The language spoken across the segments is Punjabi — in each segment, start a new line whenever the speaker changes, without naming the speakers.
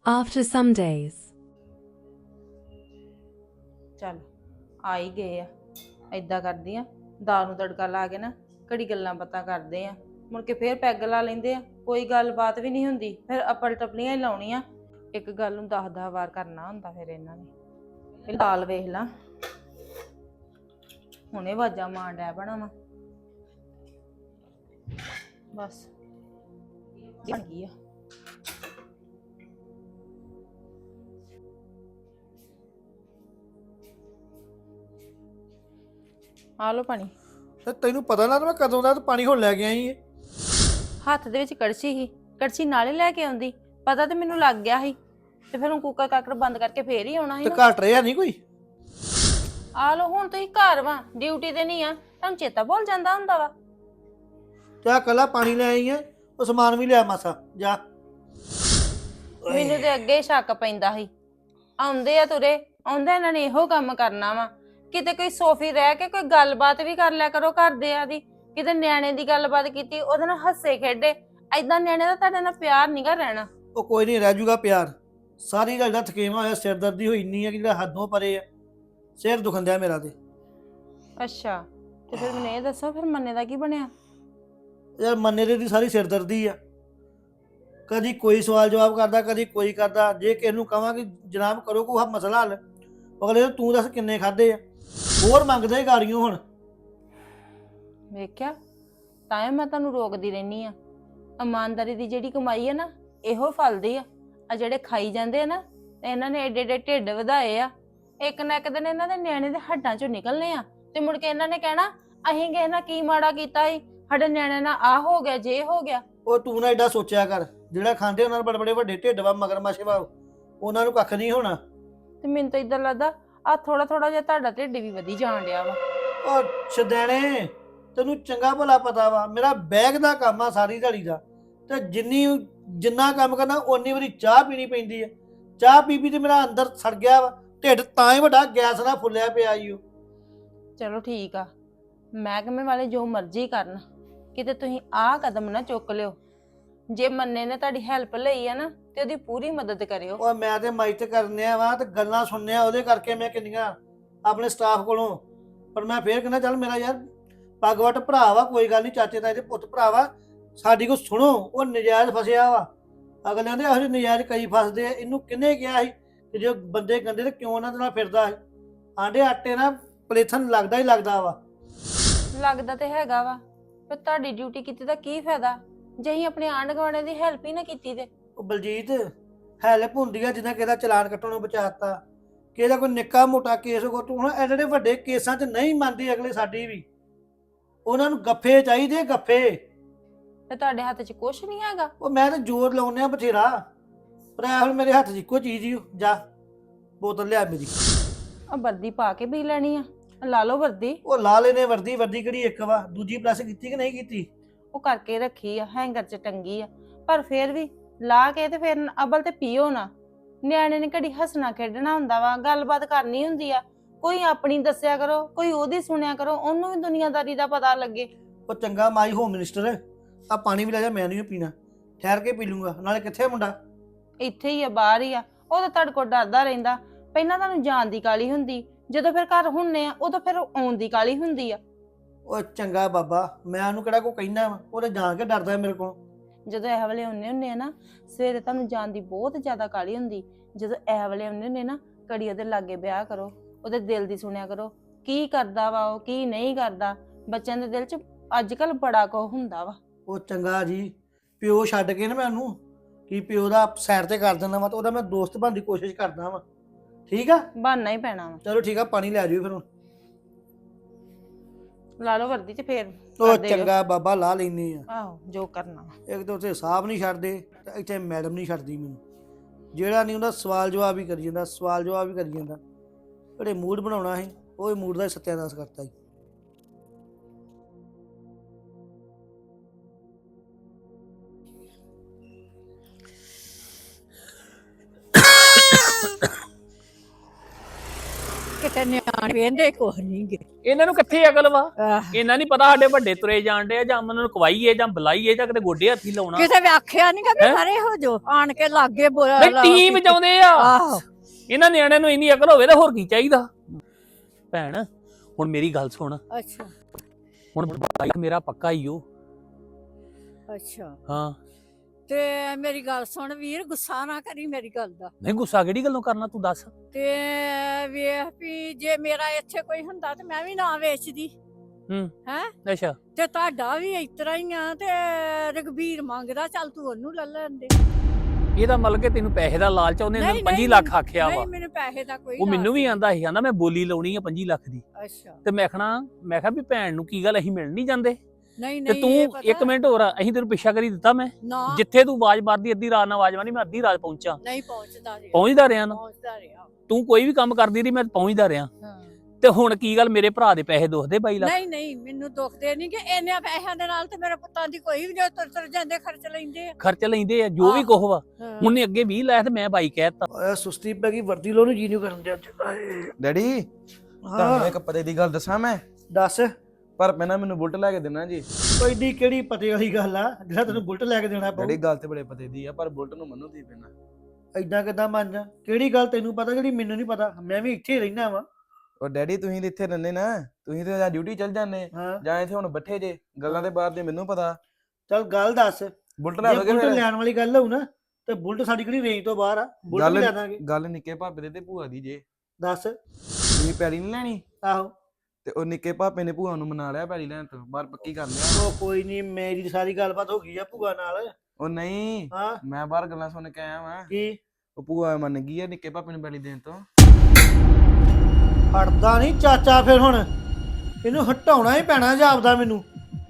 After some days.
ਚੱਲ ਆ ਹੀ ਗਏ ਆ। ਏਦਾਂ ਕਰਦੀ ਆ, ਦਾਲ ਨੂੰ ਤੜਕਾ ਲਾ ਕੇ ਨਾ ਘੜੀ ਗੱਲਾਂ ਬਾਤਾਂ ਕਰਦੇ ਆ, ਮੁੜ ਕੇ ਫੇਰ ਪੈਗ ਲਾ ਲੈਂਦੇ ਆ, ਕੋਈ ਗੱਲਬਾਤ ਵੀ ਨਹੀਂ ਹੁੰਦੀ, ਫਿਰ ਅਪਲ ਟਪਲੀਆਂ ਹੀ ਲਾਉਣੀਆਂ। ਇੱਕ ਗੱਲ ਨੂੰ 10-10 ਵਾਰ ਕਰਨਾ ਹੁੰਦਾ ਫਿਰ ਇਹਨਾਂ ਨੇ। ਇਹ ਦਾਲ ਵੇਖ ਲਾ, ਹੁਣੇ ਆਵਾਜ਼ਾਂ ਮਾਰਨ ਡੈ ਬਣਾ ਵਾ, ਬਸ ਬਣ ਗਈ ਆ। ਆ ਲੋ ਪਾਣੀ।
ਤੇ ਤੈਨੂੰ ਪਤਾ ਨਾ ਮੈਂ ਕਦੋਂ ਦਾ ਪਾਣੀ ਹੁਣ ਲੈ ਕੇ ਆਈ ਏ।
ਹੱਥ ਦੇ ਵਿੱਚ ਕੜਛੀ ਸੀ, ਕੜਛੀ ਨਾਲੇ ਲੈ ਕੇ ਆਉਂਦੀ, ਪਤਾ ਤੇ ਮੈਨੂੰ ਲੱਗ ਗਿਆ ਸੀ, ਤੇ ਫਿਰ ਹੁਣ ਕੁੱਕਰ ਕਾਕੜ ਬੰਦ ਕਰਕੇ ਫੇਰ ਹੀ ਆਉਣਾ ਸੀ
ਤੇ
ਨਾ।
ਘਟ ਰਿਹਾ ਨਹੀਂ ਕੋਈ।
ਆ ਲੋ ਹੁਣ ਤੁਸੀਂ ਘਰ ਵਾ, ਡਿਊਟੀ ਤੇ ਨਹੀਂ ਆ, ਤੁਹਾਨੂੰ ਚੇਤਾ ਭੁੱਲ ਜਾਂਦਾ ਹੁੰਦਾ ਵਾ।
ਤੇ ਆ ਕੱਲਾ ਪਾਣੀ ਲੈ ਆਈ ਏ, ਉਹ ਸਮਾਨ ਵੀ ਲਿਆ ਮਾਸਾ ਜਾ।
ਮੈਨੂੰ ਤੇ ਅੱਗੇ ਸ਼ੱਕ ਪੈਂਦਾ ਸੀ, ਆਉਂਦੇ ਆ ਤੁਰੇ, ਆਉਂਦੇ ਇਹਨਾਂ ਨੇ ਇਹੋ ਕੰਮ ਕਰਨਾ ਵਾ। ਕਿਤੇ ਕੋਈ ਸੋਫੀ ਰਹਿ ਕੇ ਕੋਈ ਗੱਲਬਾਤ ਵੀ ਕਰ ਲਿਆ ਕਰੋ ਘਰਦਿਆਂ ਦੀ, ਕਿਤੇ ਨਿਆਣੇ ਦੀ ਗੱਲਬਾਤ ਕੀਤੀ ਉਹਦੇ ਨਾਲ ਹੱਸੇ ਖੇਡੇ। ਏਦਾਂ ਨਿਆਣੇ ਦਾ ਤੁਹਾਡੇ ਨਾਲ ਪਿਆਰ ਨੀਗਾ ਰਹਿਣਾ।
ਉਹ ਕੋਈ ਨਹੀਂ, ਰਹਿ ਜੂਗਾ ਪਿਆਰ। ਸਾਰੀ ਗੱਲ ਦਾ ਥਕੇਵਾ ਹੋਇਆ, ਸਿਰ ਦਰਦੀ ਹੋਈ ਇੰਨੀ ਹੈ ਕਿ ਜਿਹੜਾ ਹੱਦੋਂ ਪਰੇ ਆ। ਸਿਰ ਦੁਖਣ ਦਿਆ ਮੇਰਾ ਤੇ।
ਅੱਛਾ, ਤੇ ਫਿਰ ਮੈਨੂੰ ਇਹ ਦੱਸੋ, ਫਿਰ ਮੰਨੇ ਦਾ ਕੀ ਬਣਿਆ?
ਯਾਰ ਮੰਨੇ ਦੀ ਸਾਰੀ ਸਿਰ ਦਰਦੀ ਆ, ਕਦੀ ਕੋਈ ਸਵਾਲ ਜਵਾਬ ਕਰਦਾ, ਕਦੀ ਕੋਈ ਕਰਦਾ। ਜੇ ਕਿਸੇ ਨੂੰ ਕਹਾਂ ਕਿ ਜਨਾਬ ਕਰੋ ਕੋਈ ਮਸਲਾ ਹੱਲ, ਅਗਲੇ ਤੂੰ ਦੱਸ ਕਿੰਨੇ ਖਾਦੇ ਆ, ਹੋਰ ਮੰਗਦੇ ਗਾੜੀਆਂ ਹੁਣ।
ਵੇਖਿਆ, ਤਾਂ ਮੈਂ ਤੁਹਾਨੂੰ ਰੋਕਦੀ ਰਹਿਨੀ ਆ। ਇਮਾਨਦਾਰੀ ਦੀ ਜਿਹੜੀ ਕਮਾਈ ਆ ਨਾ, ਇਹੋ ਫਲਦੀ ਆ। ਆ ਜਿਹੜੇ ਖਾਈ ਜਾਂਦੇ ਆ ਨਾ, ਤੇ ਇਹਨਾਂ ਨੇ ਏਡੇ ਏਡੇ ਢਿੱਡ ਵਧਾਏ ਆ, ਇੱਕ ਨਾ ਇੱਕ ਦਿਨ ਇਹਨਾਂ ਦੇ ਨਿਆਣੇ ਦੇ ਹੱਡਾਂ ਚੋਂ ਨਿਕਲਨੇ ਆ, ਤੇ ਮੁੜ ਕੇ ਇਹਨਾਂ ਨੇ ਕਹਿਣਾ ਅਸੀਂ ਕਿਸੇ ਨਾਲ ਕੀ ਮਾੜਾ ਕੀਤਾ ਸੀ, ਸਾਡੇ ਨਿਆਣੇ ਨਾਲ ਆ ਹੋ ਗਿਆ, ਜੇ ਹੋ ਗਿਆ।
ਉਹ ਤੂੰ ਨਾ ਏਡਾ ਸੋਚਿਆ ਕਰ, ਜਿਹੜਾ ਖਾਂਦੇ ਉਹਨਾਂ ਨੂੰ ਬੜੇ ਬੜੇ ਵੱਡੇ ਢਿੱਡ ਵਾ, ਮਗਰਮੱਛ ਵਾ, ਉਹਨਾਂ ਨੂੰ ਕੱਖ ਨਹੀਂ ਹੋਣਾ।
ਤੇ ਮੈਨੂੰ ਤਾਂ ਇਦਾਂ ਲੱਗਦਾ ਆ ਥੋੜਾ ਥੋੜਾ ਜਿਹਾ ਤੁਹਾਡਾ ਢਿੱਡ ਵੀ ਵਧੀ ਜਾਣ ਡਿਆ ਵਾ।
ਉਹ ਛਦੈਣੇ, ਤੈਨੂੰ ਚੰਗਾ ਭਲਾ ਪਤਾ ਵਾ ਮੇਰਾ ਬੈਗ ਦਾ ਕੰਮ ਆ ਸਾਰੀ ਦਿਹਾੜੀ ਦਾ, ਤੇ ਜਿੰਨਾ ਕੰਮ ਕਰਨਾ ਓਨੀ ਵਾਰੀ ਚਾਹ ਪੀਣੀ ਪੈਂਦੀ ਹੈ। ਚਾਹ ਪੀ ਪੀ ਤੇ ਮੇਰਾ ਅੰਦਰ ਸੜ ਗਿਆ ਵਾ ਢਿੱਡ, ਤਾਂ ਹੀ ਵੱਡਾ ਗੈਸ ਨਾਲ ਫੁੱਲਿਆ ਪਿਆ ਈ ਓ।
ਚਲੋ ਠੀਕ ਆ, ਮਹਿਕਮੇ ਵਾਲੇ ਜੋ ਮਰਜ਼ੀ ਕਰਨ, ਕਿਤੇ ਤੁਸੀਂ ਆਹ ਕਦਮ ਨਾ ਚੁੱਕ ਲਿਓ। ਜੇ ਮੰਨੇ ਨੇ ਤੁਹਾਡੀ ਹੈਲਪ ਲਈ ਆ ਨਾ, ਤੇ ਉਹਦੀ ਪੂਰੀ ਮਦਦ ਕਰਿਓ।
ਉਹ ਮੈਂ ਤੇ ਮਾਈਤ ਕਰਨਿਆ ਵਾ ਤੇ ਗੱਲਾਂ ਸੁਣਨਿਆ ਉਹਦੇ ਕਰਕੇ ਮੈਂ ਕਿੰਨੀਆਂ ਆਪਣੇ ਸਟਾਫ ਕੋਲੋਂ। ਪਰ ਮੈਂ ਫੇਰ ਕਹਿੰਦਾ ਚੱਲ ਮੇਰਾ ਯਾਰ ਪੱਗਵਟ ਭਰਾ ਵਾ, ਕੋਈ ਗੱਲ ਨਹੀਂ, ਚਾਚੇ ਤਾਏ ਦੇ ਪੁੱਤ ਭਰਾ ਵਾ, ਸਾਡੀ ਕੋ ਸੁਣੋ। ਉਹ ਨਜਾਇਜ਼ ਫਸਿਆ ਵਾ, ਅਗਲਿਆਂ ਦੇ ਇਹੋ ਜਿਹੇ ਨਜਾਇਜ਼ ਕਈ ਫਸਦੇ ਆ। ਇਹਨੂੰ ਕਿਹਨੇ ਕਿਹਾ ਸੀ ਕਿ ਜੇ ਬੰਦੇ ਗੰਦੇ ਤੇ ਕਿਉਂ ਉਹਨਾਂ ਦੇ ਨਾਲ ਫਿਰਦਾ ਹੈ? ਆਂਡੇ ਆਟੇ ਨਾਲ ਪਲੇਥਨ ਲੱਗਦਾ ਹੀ ਲੱਗਦਾ ਵਾ।
ਲੱਗਦਾ ਤੇ ਹੈਗਾ ਵਾ, ਪਰ ਤੁਹਾਡੀ ਡਿਊਟੀ ਕੀਤੀ ਦਾ ਕੀ ਫਾਇਦਾ ਜੇ ਅਸੀਂ ਆਪਣੇ ਆਂਢ ਗੁਆਂਢ ਦੀ ਹੈਲਪ ਹੀ ਨਾ ਕੀਤੀ ਤੇ।
ਉਹ ਬਲਜੀਤ, ਹੈਲਪ ਹੁੰਦੀ ਆ ਜਿੱਦਾਂ ਕਿਸੇ ਦਾ ਚਲਾਨ ਕੱਟਣ ਨੂੰ ਬਚਾਤਾ, ਕਿਸੇ ਦਾ ਕੋਈ ਨਿੱਕਾ ਮੋਟਾ ਕੇਸ ਕੋ। ਤੂੰ ਹੁਣ ਐਡੇ ਵੱਡੇ ਕੇਸਾਂ 'ਚ ਨਹੀਂ ਮੰਨਦੇ ਅਗਲੇ ਸਾਡੀ ਵੀ, ਉਹਨਾਂ ਨੂੰ ਗੱਫੇ ਚਾਹੀਦੇ, ਗੱਫੇ।
ਤੇ ਤੁਹਾਡੇ ਹੱਥ 'ਚ ਕੁਛ ਨਹੀਂ ਹੈਗਾ।
ਉਹ ਮੈਂ ਤਾਂ ਜ਼ੋਰ ਲਾਉਂਦੇ ਆ ਬਥੇਰਾ, ਪਰ ਇਹ ਹੁਣ ਮੇਰੇ ਹੱਥ 'ਚ ਇੱਕੋ ਚੀਜ਼ ਹੀ। ਜਾ ਬੋਤਲ ਲਿਆ ਮੇਰੀ।
ਆ ਵਰਦੀ ਪਾ ਕੇ ਪੀ ਲੈਣੀ ਆ, ਲਾ ਲਓ ਵਰਦੀ।
ਉਹ ਲਾ ਲੈਨੇ ਵਰਦੀ, ਵਰਦੀ ਕਿਹੜੀ ਇੱਕ ਵਾ, ਦੂਜੀ ਪਲੱਸ ਕੀਤੀ ਕਿ ਨਹੀਂ ਕੀਤੀ?
ਉਹ ਕਰਕੇ ਰੱਖੀ ਆ, ਹੈਂਗਰ 'ਚ ਟੰਗੀ ਆ, ਪਰ ਫੇਰ ਵੀ ਲਾ ਕੇ ਤੇ ਫਿਰ ਅਬਲ ਤੇ ਪੀਓ ਨਾ। ਨਿਆਣੇ ਨੇ ਘੜੀ ਹੱਸਣਾ ਖੇਡਣਾ ਹੁੰਦਾ ਵਾ, ਗੱਲਬਾਤ ਕਰਨੀ ਹੁੰਦੀ ਆ, ਕੋਈ ਆਪਣੀ ਦੱਸਿਆ ਕਰੋ, ਕੋਈ ਉਹਦੀ ਸੁਣਿਆ ਕਰੋ, ਉਹਨੂੰ ਵੀ ਦੁਨੀਆਦਾਰੀ ਦਾ ਪਤਾ ਲੱਗੇ।
ਉਹ ਚੰਗਾ ਮਾਈ ਹੋਮ ਮਿਨਿਸਟਰ, ਆ ਪਾਣੀ ਵੀ ਲੈ ਜਾ, ਮੈਂ ਨਹੀਂ ਪੀਣਾ, ਠਹਿਰ ਕੇ ਪੀ ਲੂੰਗਾ। ਨਾਲੇ ਕਿੱਥੇ ਮੁੰਡਾ?
ਇੱਥੇ ਹੀ ਆ, ਬਾਹਰ ਹੀ ਆ। ਉਹ ਤਾਂ ਤੁਹਾਡੇ ਕੋਲ ਡਰਦਾ ਰਹਿੰਦਾ, ਪਹਿਲਾਂ ਤੁਹਾਨੂੰ ਜਾਣ ਦੀ ਕਾਲੀ ਹੁੰਦੀ, ਜਦੋਂ ਫਿਰ ਘਰ ਹੁੰਨੇ ਆ ਉਦੋਂ ਫਿਰ ਆਉਣ ਦੀ ਕਾਲੀ ਹੁੰਦੀ ਆ।
ਉਹ ਚੰਗਾ ਬਾਬਾ, ਮੈਂ ਉਹਨੂੰ ਕਿਹੜਾ ਕੋ ਕਹਿਣਾ ਵਾ, ਉਹ ਤਾਂ ਜਾਣ ਕੇ ਡਰਦਾ ਮੇਰੇ ਕੋਲ।
ਜਦੋਂ ਇਹ ਵੇਲੇ ਹੁੰਨੇ ਆ ਨਾ, ਸਵੇਰੇ ਤੁਹਾਨੂੰ ਜਾਣ ਦੀ ਬਹੁਤ ਜ਼ਿਆਦਾ ਕਾਲੀ ਹੁੰਦੀ, ਜਦੋਂ ਇਹ ਵੇਲੇ ਹੁੰਨੇ ਨਾ, ਘੜੀ ਉਹਦੇ ਲਾਗੇ ਵਿਆਹ ਕਰੋ, ਉਹਦੇ ਦਿਲ ਦੀ ਸੁਣਿਆ ਕਰੋ, ਕੀ ਕਰਦਾ ਵਾ ਉਹ, ਕੀ ਨਹੀਂ ਕਰਦਾ। ਬੱਚਿਆਂ ਦੇ ਦਿਲ 'ਚ ਅੱਜ ਕੱਲ ਬੜਾ ਕੁਝ ਹੁੰਦਾ ਵਾ।
ਉਹ ਚੰਗਾ ਜੀ, ਪਿਓ ਛੱਡ ਕੇ ਨਾ ਮੈਂ ਉਹਨੂੰ ਕੀ ਪਿਓ ਦਾ ਸਾਈਡ ਤੇ ਕਰ ਦਿੰਦਾ ਵਾ, ਤੇ ਉਹਦਾ ਮੈਂ ਦੋਸਤ ਬਣਨ ਦੀ ਕੋਸ਼ਿਸ਼ ਕਰਦਾ ਵਾ। ਠੀਕ ਆ,
ਬਣਨਾ ਹੀ ਪੈਣਾ ਵਾ।
ਚਲੋ ਠੀਕ ਆ, ਪਾਣੀ ਲੈ ਜਾਓ ਫਿਰ ਹੁਣ।
ਲਾ ਲਓ ਵਰਦੀ 'ਚ ਫੇਰ
ਉਹ ਚੰਗਾ ਬਾਬਾ, ਲਾ ਲੈਨੇ ਆ।
ਆਹੋ ਜੋ ਕਰਨਾ ਵਾ।
ਇੱਕ ਤਾਂ ਉੱਥੇ ਸਾਹਿਬ ਨਹੀਂ ਛੱਡਦੇ, ਤੇ ਇੱਥੇ ਮੈਡਮ ਨਹੀਂ ਛੱਡਦੀ ਮੈਨੂੰ। ਜਿਹੜਾ ਨਹੀਂ ਹੁੰਦਾ ਸਵਾਲ ਜਵਾਬ ਹੀ ਕਰੀ ਜਾਂਦਾ, ਸਵਾਲ ਜਵਾਬ ਹੀ ਕਰੀ ਜਾਂਦਾ। ਜਿਹੜੇ ਮੂਡ ਬਣਾਉਣਾ ਸੀ, ਉਹ ਮੂਡ ਦਾ ਹੀ ਸੱਤਿਆਨਾਸ਼ ਕਰਤਾ ਜੀ।
ਤੇ ਨਿਆਣੇ ਵੇਂਦੇ ਕੁਛ ਨਹੀਂ ਗੇ।
ਇਹਨਾਂ ਨੂੰ ਕਿੱਥੇ ਅਕਲ ਵਾ?
ਆਹ,
ਇਹਨਾਂ ਨਹੀਂ ਪਤਾ ਸਾਡੇ ਵੱਡੇ ਤੁਰੇ ਜਾਣਦੇ ਆ, ਜਾਂ ਉਹਨਾਂ ਨੂੰ ਕਵਾਈਏ ਜਾਂ ਬੁਲਾਈਏ ਜਾਂ ਕਿਤੇ ਗੋਡੇ ਹੱਥੀ ਲਾਉਣਾ।
ਕਿਸੇ ਵੀ ਆਖਿਆ ਨਹੀਂ ਕਿ
ਹੈਂ?
ਖਰੇ ਹੋ ਜੋ ਆਣ ਕੇ ਲਾਗੇ ਬੋਲਾ
ਨਹੀਂ ਟੀਮ ਚਾਹੁੰਦੇ ਆ।
ਆਹੋ
ਇਹਨਾਂ ਨਿਆਣਿਆਂ ਨੂੰ ਇੰਨੀ ਅਕਲ ਹੋਵੇ ਤਾਂ ਹੋਰ ਕੀ ਚਾਹੀਦਾ। ਭੈਣ ਹੁਣ ਮੇਰੀ ਗੱਲ ਸੁਣ,
ਅੱਛਾ
ਹੁਣ ਬਾਈਕ ਮੇਰਾ ਪੱਕਾ ਹੀ ਓ।
ਅੱਛਾ
ਹਾਂ
ਤੇ ਮੇਰੀ ਗੱਲ ਸੁਣ ਵੀਰ, ਗੁੱਸਾ ਨਾ ਕਰੀ ਮੇਰੀ ਗੱਲ ਦਾ।
ਨਹੀਂ ਗੁੱਸਾ ਕਿਹੜੀ ਗੱਲੋਂ ਕਰਨਾ ਤੂੰ ਦੱਸ।
ਤੇ ਵੇਖ ਵੀ ਜੇ ਮੇਰਾ ਇੱਥੇ ਕੋਈ ਹੁੰਦਾ ਤੇ ਮੈਂ ਵੀ ਨਾ ਵੇਚਦੀ।
ਅੱਛਾ
ਤੇ ਤੁਹਾਡਾ ਵੀ ਇਸ ਤਰ੍ਹਾਂ ਹੀ ਆ ਤੇ ਰਘਬੀਰ ਮੰਗਦਾ, ਚੱਲ ਤੂੰ ਉਹਨੂੰ ਲੈ ਲੈਂਦੇ।
ਇਹਦਾ ਮਤਲਬ ਕਿ ਤੈਨੂੰ ਪੈਸੇ ਦਾ ਲਾਲਚ ਆ, ਉਹਨੇ
ਨਹੀਂ,
25
ਨਹੀਂ,
ਲੱਖ ਆਖਿਆ ਵਾ।
ਨਹੀਂ ਮੈਨੂੰ ਪੈਸੇ ਦਾ ਕੋਈ
ਉਹ ਮੈਨੂੰ
ਲਾਲਚ
ਵੀ ਆਂਦਾ ਸੀ, ਆਂਦਾ ਮੈਂ ਬੋਲੀ ਲਾਉਣੀ ਆ 25 ਲੱਖ ਦੀ।
ਅੱਛਾ
ਤੇ ਮੈਂ ਕਿਹਾ ਵੀ ਭੈਣ ਨੂੰ ਕੀ ਗੱਲ, ਅਸੀਂ ਮਿਲ ਨਹੀਂ ਜਾਂਦੇ?
ਨਹੀਂ
ਤੇ
ਨਹੀਂ
ਤੂੰ
ਇਹ
ਇੱਕ
ਪਤਾ
ਮਿੰਟ ਹੋਰ, ਅਸੀਂ ਤੈਨੂੰ ਪਿੱਛਾ ਕਰੀ ਦਿੱਤਾ। ਮੈਂ
ਨਾ
ਜਿੱਥੇ ਤੂੰ ਆਵਾਜ਼ ਮਾਰਦੀ ਅੱਧੀ ਰਾਤ ਨਾਲ ਆਵਾਜ਼ ਮਾਰੀ, ਮੈਂ ਅੱਧੀ ਰਾਤ ਪਹੁੰਚਾ,
ਨਹੀਂ ਪਹੁੰਚਦਾ ਰਿਹਾ
ਪਹੁੰਚਦਾ ਰਿਹਾ ਨਾ।
ਪਹੁੰਚਦਾ ਰਿਹਾ।
ਤੂੰ ਕੋਈ ਵੀ ਕੰਮ ਕਰਦੀ ਰਹੀ, ਮੈਂ ਪਹੁੰਚਦਾ ਰਿਹਾ।
ਹਾਂ।
ਤੇ ਹੁਣ ਕੀ ਗੱਲ, ਮੇਰੇ ਭਰਾ ਦੇ ਪੈਸੇ ਦੁਖਦੇ 22 ਲੱਖ?
ਨਹੀਂ ਨਹੀਂ ਮੈਨੂੰ ਦੁਖਦੇ ਨਹੀਂ ਕਿ ਇੰਨੇ ਪੈਸਿਆਂ ਦੇ ਨਾਲ ਤੇ ਮੇਰੇ ਪੁੱਤਾਂ ਦੀ ਕੋਈ ਵੀ ਜੋ ਤੁਰ ਜਾਂਦੇ ਖਰਚ ਲੈਂਦੇ ਆ।
ਖਰਚ ਲੈਂਦੇ ਆ ਜੋ ਵੀ
ਆਹ।
ਕੁਛ ਵਾ।
ਹਾਂ।
ਉਹਨੇ ਅੱਗੇ 20 ਲਾਇਆ ਤੇ ਮੈਂ 22 ਕਹਿਤਾ।
ਓਏ ਸੁਸਤੀ ਪੈ ਗਈ, ਵਰਦੀ ਲੋ ਨੂੰ ਜੀ ਨੂੰ ਕਰਨ ਦੇ।
ਡੈਡੀ ਤੁਹਾਨੂੰ ਇੱਕ ਪਤੇ ਦੀ ਗੱਲ ਦੱਸਾਂ ਮੈਂ,
ਦੱਸ
ਪਰ ਪਹਿਲਾਂ ਮੈਨੂੰ ਬੁਲਟ ਲੈ ਕੇ ਦੇਣਾ ਜੀ।
ਕੋਈ ਏਡੀ ਕਿਹੜੀ ਪਤੇ ਵਾਲੀ ਗੱਲ ਆ ਜਿਹੜਾ ਤੈਨੂੰ ਬੁਲਟ ਲੈ ਕੇ ਦੇਣਾ
ਡੈਡੀ
ਪਊ?
ਗੱਲ ਤੇ ਬੜੇ ਪਤੇ ਦੀ ਆ, ਪਰ ਬੁਲਟ ਨੂੰ ਮੰਨੋ ਤੁਸੀਂ ਪੈਣਾ।
ਐਦਾਂ ਕਿਦਾਂ ਮੰਨ ਜਾ? ਕਿਹੜੀ ਗੱਲ ਤੈਨੂੰ ਪਤਾ ਜਿਹੜੀ ਮੈਨੂੰ ਨਹੀਂ ਪਤਾ? ਮੈਂ ਵੀ ਇੱਥੇ ਹੀ ਰਹਿਣਾ ਵਾ।
ਉਹ ਡੈਡੀ ਤੁਸੀਂ ਤੇ ਇੱਥੇ ਰਹਿੰਦੇ ਨਾ, ਤੁਸੀਂ ਤੇ ਜਾਂ ਡਿਊਟੀ ਚੱਲ ਜਾਂਦੇ
ਹਾਂ
ਜਾਂ ਇੱਥੇ ਹੁਣ ਬੱਠੇ ਜੇ, ਗੱਲਾਂ ਦੇ ਬਾਹਰ ਦੇ ਮੈਨੂੰ ਪਤਾ।
ਚੱਲ ਗੱਲ ਦੱਸ,
ਬੁਲਟ
ਜੇ
ਲੈ ਦੋਗੇ
ਬੁਲਟ
ਫਿਰ?
ਲੈਣ ਵਾਲੀ ਗੱਲ ਹੋਊ ਨਾ ਤੇ ਬੁਲਟ ਸਾਡੀ ਕਿਹੜੀ ਰੇਂਜ ਤੋਂ ਬਾਹਰ ਆ, ਬੁਲਟ
ਗੱਲ
ਲੈ ਦਾਂਗੇ।
ਗੱਲ ਨਿੱਕੇ ਭਾਪੇ ਦੇ ਤੇ ਭੂਆ ਦੀ ਜੇ।
ਦੱਸ।
ਤੁਸੀਂ ਪੈੜੀ ਨਹੀਂ ਲੈਣੀ
ਆਹੋ
ਤੇ ਉਹ ਨਿੱਕੇ ਭਾਪੇ ਨੇ ਭੂਆ ਨੂੰ ਮਨਾ ਲਿਆ ਪੈੜੀ ਲੈਣ ਤੋਂ, ਬਾਹਰ ਪੱਕੀ ਕਰ ਲਿਆ।
ਉਹ ਕੋਈ ਨਹੀਂ, ਮੇਰੀ ਸਾਰੀ ਗੱਲਬਾਤ ਹੋ ਗਈ ਆ ਭੂਆ ਨਾਲ।
ਉਹ ਨਹੀਂ,
ਹਾਂ
ਮੈਂ ਬਾਹਰ ਗੱਲਾਂ ਸੁਣ ਕੇ ਆਇਆ ਵਾਂ।
ਕੀ?
ਉਹ ਭੂਆ ਮੰਨ ਗਈ ਆ ਨਿੱਕੇ ਭਾਪੇ ਨੂੰ ਪੈੜੀ ਦੇਣ ਤੋਂ।
ਹਟਦਾ ਨਹੀਂ ਚਾਚਾ, ਫਿਰ ਹੁਣ ਇਹਨੂੰ ਹਟਾਉਣਾ ਹੀ ਪੈਣਾ ਜਾਪਦਾ ਮੈਨੂੰ।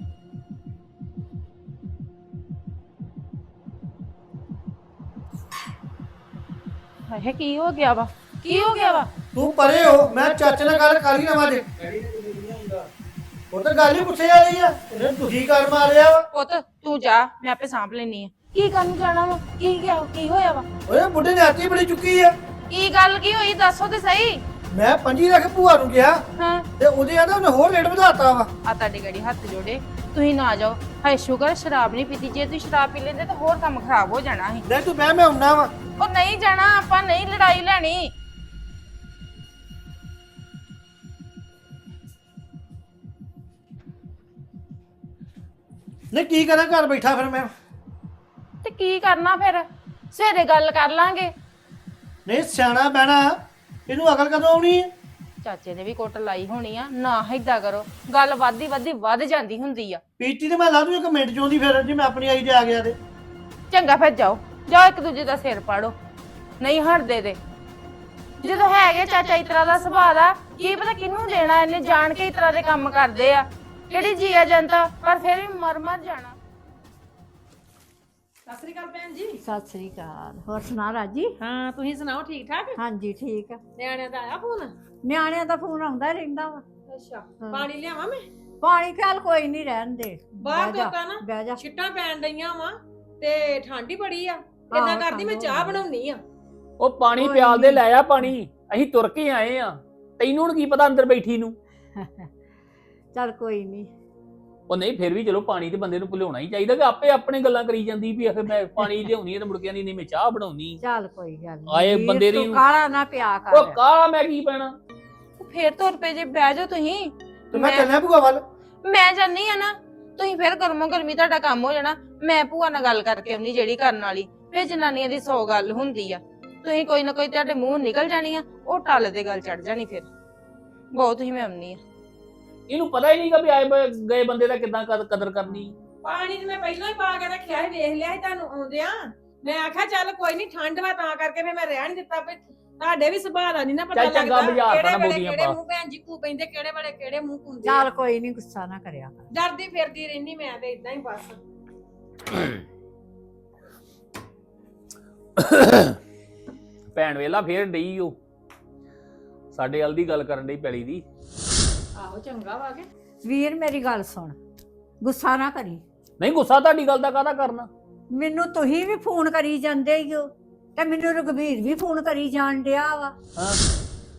ਹਾਏ ਕੀ ਹੋ ਗਿਆ ਵਾ? ਕੀ ਹੋ ਗਿਆ ਵਾ?
ਤੂੰ ਪਰੇ ਹੋ, ਮੈਂ ਚਾਚੇ ਨਾਲ ਗੱਲ ਕਰ ਹੀ ਲਵਾਂ ਜੇ। ਉਹ ਤਾਂ ਗੱਲ ਹੀ ਪੁੱਛੇ ਵਾਲੀ ਆ, ਇਹਨੇ ਦੁਖੀ ਕਰ ਮਾਰਿਆ ਵਾ।
ਪੁੱਤ ਤੂੰ ਜਾ, ਮੈਂ ਆਪੇ ਸਾਂਭ ਲੈਣੀ ਆ। ਕੀ ਕਰਨ ਜਾਣਾ ਵਾ? ਕੀ ਹੋਇਆ ਵਾ?
ਓਏ ਬੁੱਢੇ ਨੇ ਆਤੀ ਬੜੀ ਚੁੱਕੀ ਆ।
ਕੀ ਗੱਲ ਕੀ ਹੋਈ ਦੱਸੋ ਤੇ ਸਹੀ।
ਮੈਂ 25 ਲੱਖ ਭੂਆ ਨੂੰ ਕਿਹਾ
ਹਾਂ
ਤੇ ਉਹਦੇ ਆਂਦਾ ਉਹਨੇ ਹੋਰ ਰੇਟ ਵਧਾਤਾ ਵਾ।
ਆ ਤੁਹਾਡੇ ਗੜੀ ਹੱਥ ਜੋੜੇ, ਤੁਸੀਂ ਨਾ ਜਾਓ। ਹਾਏ ਸ਼ੁਕਰ ਸ਼ਰਾਬ ਨਹੀਂ ਪੀਤੀ, ਜੇ ਤੁਸੀਂ ਸ਼ਰਾਬ ਪੀ ਲੈਂਦੇ ਤਾਂ ਹੋਰ ਕੰਮ ਖਰਾਬ ਹੋ ਜਾਣਾ ਸੀ।
ਲੈ ਤੂੰ ਬਹਿ, ਮੈਂ ਆਉਣਾ ਵਾ।
ਉਹ ਨਹੀਂ ਜਾਣਾ, ਆਪਾਂ ਨਹੀਂ ਲੜਾਈ ਲੈਣੀ।
ਨਹੀਂ ਕੀ ਕਰਾਂ, ਘਰ ਬੈਠਾ ਫਿਰ ਮੈਂ।
ਤੇ ਕੀ ਕਰਨਾ ਫਿਰ? ਸਵੇਰੇ ਗੱਲ ਕਰ ਲਾਂਗੇ।
ਨਹੀਂ ਸਿਆਣਾ ਬਹਿਣਾ, ਇਹਨੂੰ ਅਕਲ ਕਦੋਂ ਆਉਣੀ ਹੈ?
ਚਾਚੇ ਨੇ ਵੀ ਕੁੱਟ ਲਾਈ ਹੋਣੀ ਆ, ਨਾ ਏਦਾਂ ਕਰੋ। ਗੱਲ ਵੱਧ ਜਾਂਦੀ ਹੁੰਦੀ ਆ।
ਪੀਤੀ ਤੇ ਮੈਂ ਲਾ ਦੂੰ ਇੱਕ ਮਿੰਟ ਚਾਹੁੰਦੀ, ਫਿਰ ਜੇ ਮੈਂ ਆਪਣੀ ਆਈ ਤੇ ਆ ਗਿਆ ਤੇ।
ਚੰਗਾ ਫਿਰ ਜਾਓ ਇੱਕ ਦੂਜੇ ਦਾ ਸਿਰ ਪਾੜੋ। ਨਹੀਂ ਹਟਦੇ ਤੇ ਜਦੋਂ ਹੈਗੇ ਚਾਚਾ ਇਸ ਤਰ੍ਹਾਂ ਦਾ ਸੁਭਾਅ ਦਾ, ਕੀ ਪਤਾ ਕਿਹਨੂੰ ਦੇਣਾ। ਇਹਨੇ ਜਾਣ ਕੇ ਇਸ ਤਰ੍ਹਾਂ ਦੇ ਕੰਮ ਕਰਦੇ ਆ। ਕਿਹੜੀ ਜੀਆ ਜਨਤਾ, ਪਰ ਫਿਰ ਵੀ ਮਰ ਜਾਣਾ।
ਸਤਿ ਸ੍ਰੀ ਅਕਾਲ ਭੈਣ ਜੀ।
ਸਤਿ ਸ੍ਰੀ ਅਕਾਲ। ਹੋਰ ਸੁਣਾ ਰਾਜੀ?
ਹਾਂ ਤੁਸੀਂ ਸੁਣਾਓ, ਠੀਕ ਠਾਕ?
ਹਾਂਜੀ ਠੀਕ ਆ।
ਨਿਆਣਿਆਂ ਦਾ ਆਇਆ ਫੋਨ?
ਨਿਆਣਿਆਂ ਦਾ ਫੋਨ ਆਉਂਦਾ ਰਹਿੰਦਾ ਵਾ।
ਅੱਛਾ, ਪਾਣੀ ਲਿਆਵਾਂ ਮੈਂ?
ਪਾਣੀ ਖਿਆਲ ਕੋਈ ਨਹੀਂ, ਰਹਿਣ ਦੇ।
ਬਾਹਰ
ਬਹਿ ਜਾ,
ਧੋਤਾ ਨਾ,
ਬਹਿ ਜਾ।
ਛਿੱਟਾਂ ਪੈਣ ਡਈਆਂ ਵਾ ਤੇ ਠੰਡ ਹੀ ਬੜੀ ਆ। ਏਦਾਂ
ਆਹੋ,
ਕਰਦੀ ਮੈਂ
ਠੰਡ
ਚਾਹ
ਹੋਣੀ।
ਬਣਾਉਣੀ ਆ।
ਉਹ ਪਾਣੀ
ਕੋਈ
ਪਿਆਲ ਦੇ,
ਨੀ।
ਲੈ ਆ ਪਾਣੀ। ਅਸੀਂ ਤੁਰ ਕੇ ਆਏ ਆ, ਤੈਨੂੰ ਹੁਣ ਕੀ ਪਤਾ ਅੰਦਰ ਬੈਠੀ ਨੂੰ।
ਚੱਲ ਕੋਈ ਨਹੀਂ।
ਉਹ ਨਹੀਂ ਫਿਰ ਵੀ ਚਲੋ ਪਾਣੀ ਤੇ ਬੰਦੇ ਨੂੰ ਭੁਲਾਉਣਾ ਹੀ ਚਾਹੀਦਾ, ਕਿ ਆਪੇ ਆਪਣੇ ਗੱਲਾਂ ਕਰੀ ਜਾਂਦੀ ਵੀ ਆਖੇ ਮੈਂ ਪਾਣੀ ਲਿਆਉਣੀ ਹੈ ਤੇ ਮੁੜ ਕੇ ਨਹੀਂ ਮੈਂ ਚਾਹ ਬਣਾਉਣੀ।
ਚੱਲ ਕੋਈ ਗੱਲ ਨੀ।
ਆਏ
ਵੀਰ,
ਬੰਦੇ ਦੀ-
ਤੂੰ ਕਾਲਾ ਨਾ ਪਿਆ ਕਰ।
ਉਹ ਕਾਲਾ ਮੈਂ ਕੀ ਪੈਣਾ?
ਫੇਰ ਤੁਰ ਪਏ ਜੇ, ਬਹਿ ਜਾਓ ਤੁਸੀਂ।
ਤੇ ਮੈਂ ਚੱਲਿਆ ਭੂਆ ਵੱਲ।
ਮੈਂ ਜਾਨੀ ਆ ਨਾ, ਤੁਸੀਂ ਫਿਰ ਗਰਮੋ ਗਰਮੀ ਤੁਹਾਡਾ ਕੰਮ ਹੋ ਜਾਣਾ। ਮੈਂ ਭੂਆ ਨਾਲ ਗੱਲ ਕਰਕੇ ਆਉਣੀ ਜਿਹੜੀ ਕਰਨ ਵਾਲੀ। ਫਿਰ ਜਨਾਨੀਆਂ ਦੀ 100 ਗੱਲ ਹੁੰਦੀ ਆ। ਤੁਸੀਂ ਕੋਈ ਨਾ ਕੋਈ ਤੁਹਾਡੇ ਮੂੰਹ ਨਿਕਲ ਜਾਣੀ ਆ, ਉਹ ਟੱਲ ਦੇ ਗੱਲ ਚੜ ਜਾਣੀ। ਫਿਰ ਬਹੁਤ ਹੀ ਮੈਂ ਆਉਣੀ ਆ।
ਇਹਨੂੰ ਪਤਾ ਹੀ ਨਹੀਂਗਾ ਵੀ ਆਏ ਗਏ ਬੰਦੇ ਦਾ ਕਿੱਦਾਂ ਕਦਰ ਕਰਨੀ।
ਪਾਣੀ ਤੇ ਮੈਂ ਪਹਿਲਾਂ ਹੀ ਪਾ ਕੇ ਰੱਖਿਆ ਸੀ, ਵੇਖ ਲਿਆ ਸੀ ਤੁਹਾਨੂੰ ਆਉਂਦਿਆਂ। ਮੈਂ ਆਖਿਆ ਚੱਲ ਕੋਈ ਨਹੀਂ, ਠੰਡ ਵਾ ਤਾਂ ਕਰਕੇ ਫਿਰ ਮੈਂ ਰਹਿਣ ਦਿੱਤਾ। ਵੀ ਤੁਹਾਡੇ ਵੀ ਸੁਭਾਅ ਦਾ ਨਹੀਂ ਨਾ ਪਤਾ
ਚੱਲ ਚੰਗਾ
ਲੱਗਦਾ
ਬੁਝਾ ਤਾ ਨਾ
ਕਿਹੜੇ ਵੇਲੇ
ਬੋਲੀਆਂ
ਕਿਹੜੇ
ਪਾ।
ਮੂੰਹ ਭੈਣ ਜੀ ਕੂ ਪੈਂਦੇ, ਕਿਹੜੇ ਵੇਲੇ ਕਿਹੜੇ ਮੂੰਹ ਕੁੰਦੇ।
ਚੱਲ ਕੋਈ ਨਹੀਂ, ਗੁੱਸਾ ਨਾ ਕਰਿਆ ਕਰ।
ਡਰਦੀ ਫਿਰਦੀ ਰਹਿਨੀ ਮੈਂ ਤੇ ਇਦਾਂ ਹੀ ਬਸ।
ਭੈਣ ਵੇਲਾ ਫੇਰ ਡਈ ਉਹ ਸਾਡੇ ਵੱਲ ਦੀ ਗੱਲ ਕਰਨ ਡਈ ਪੈਲੀ ਦੀ।
ਆਹੋ ਚੰਗਾ ਵਾ ਕੇ।
ਵੀਰ ਮੇਰੀ ਗੱਲ ਸੁਣ, ਗੁੱਸਾ ਨਾ ਕਰੀ।
ਨਹੀਂ ਗੁੱਸਾ ਤੁਹਾਡੀ ਗੱਲ ਦਾ ਕਾਹਦਾ ਕਰਨਾ?
ਮੈਨੂੰ ਤੁਸੀਂ ਵੀ ਫੋਨ ਕਰੀ ਜਾਂਦੇ ਹੀ ਹੋ ਤੇ ਮੈਨੂੰ ਰਘਬੀਰ ਵੀ ਫੋਨ ਕਰੀ ਜਾਣ ਡਿਆ ਵਾ।
ਹਾਂ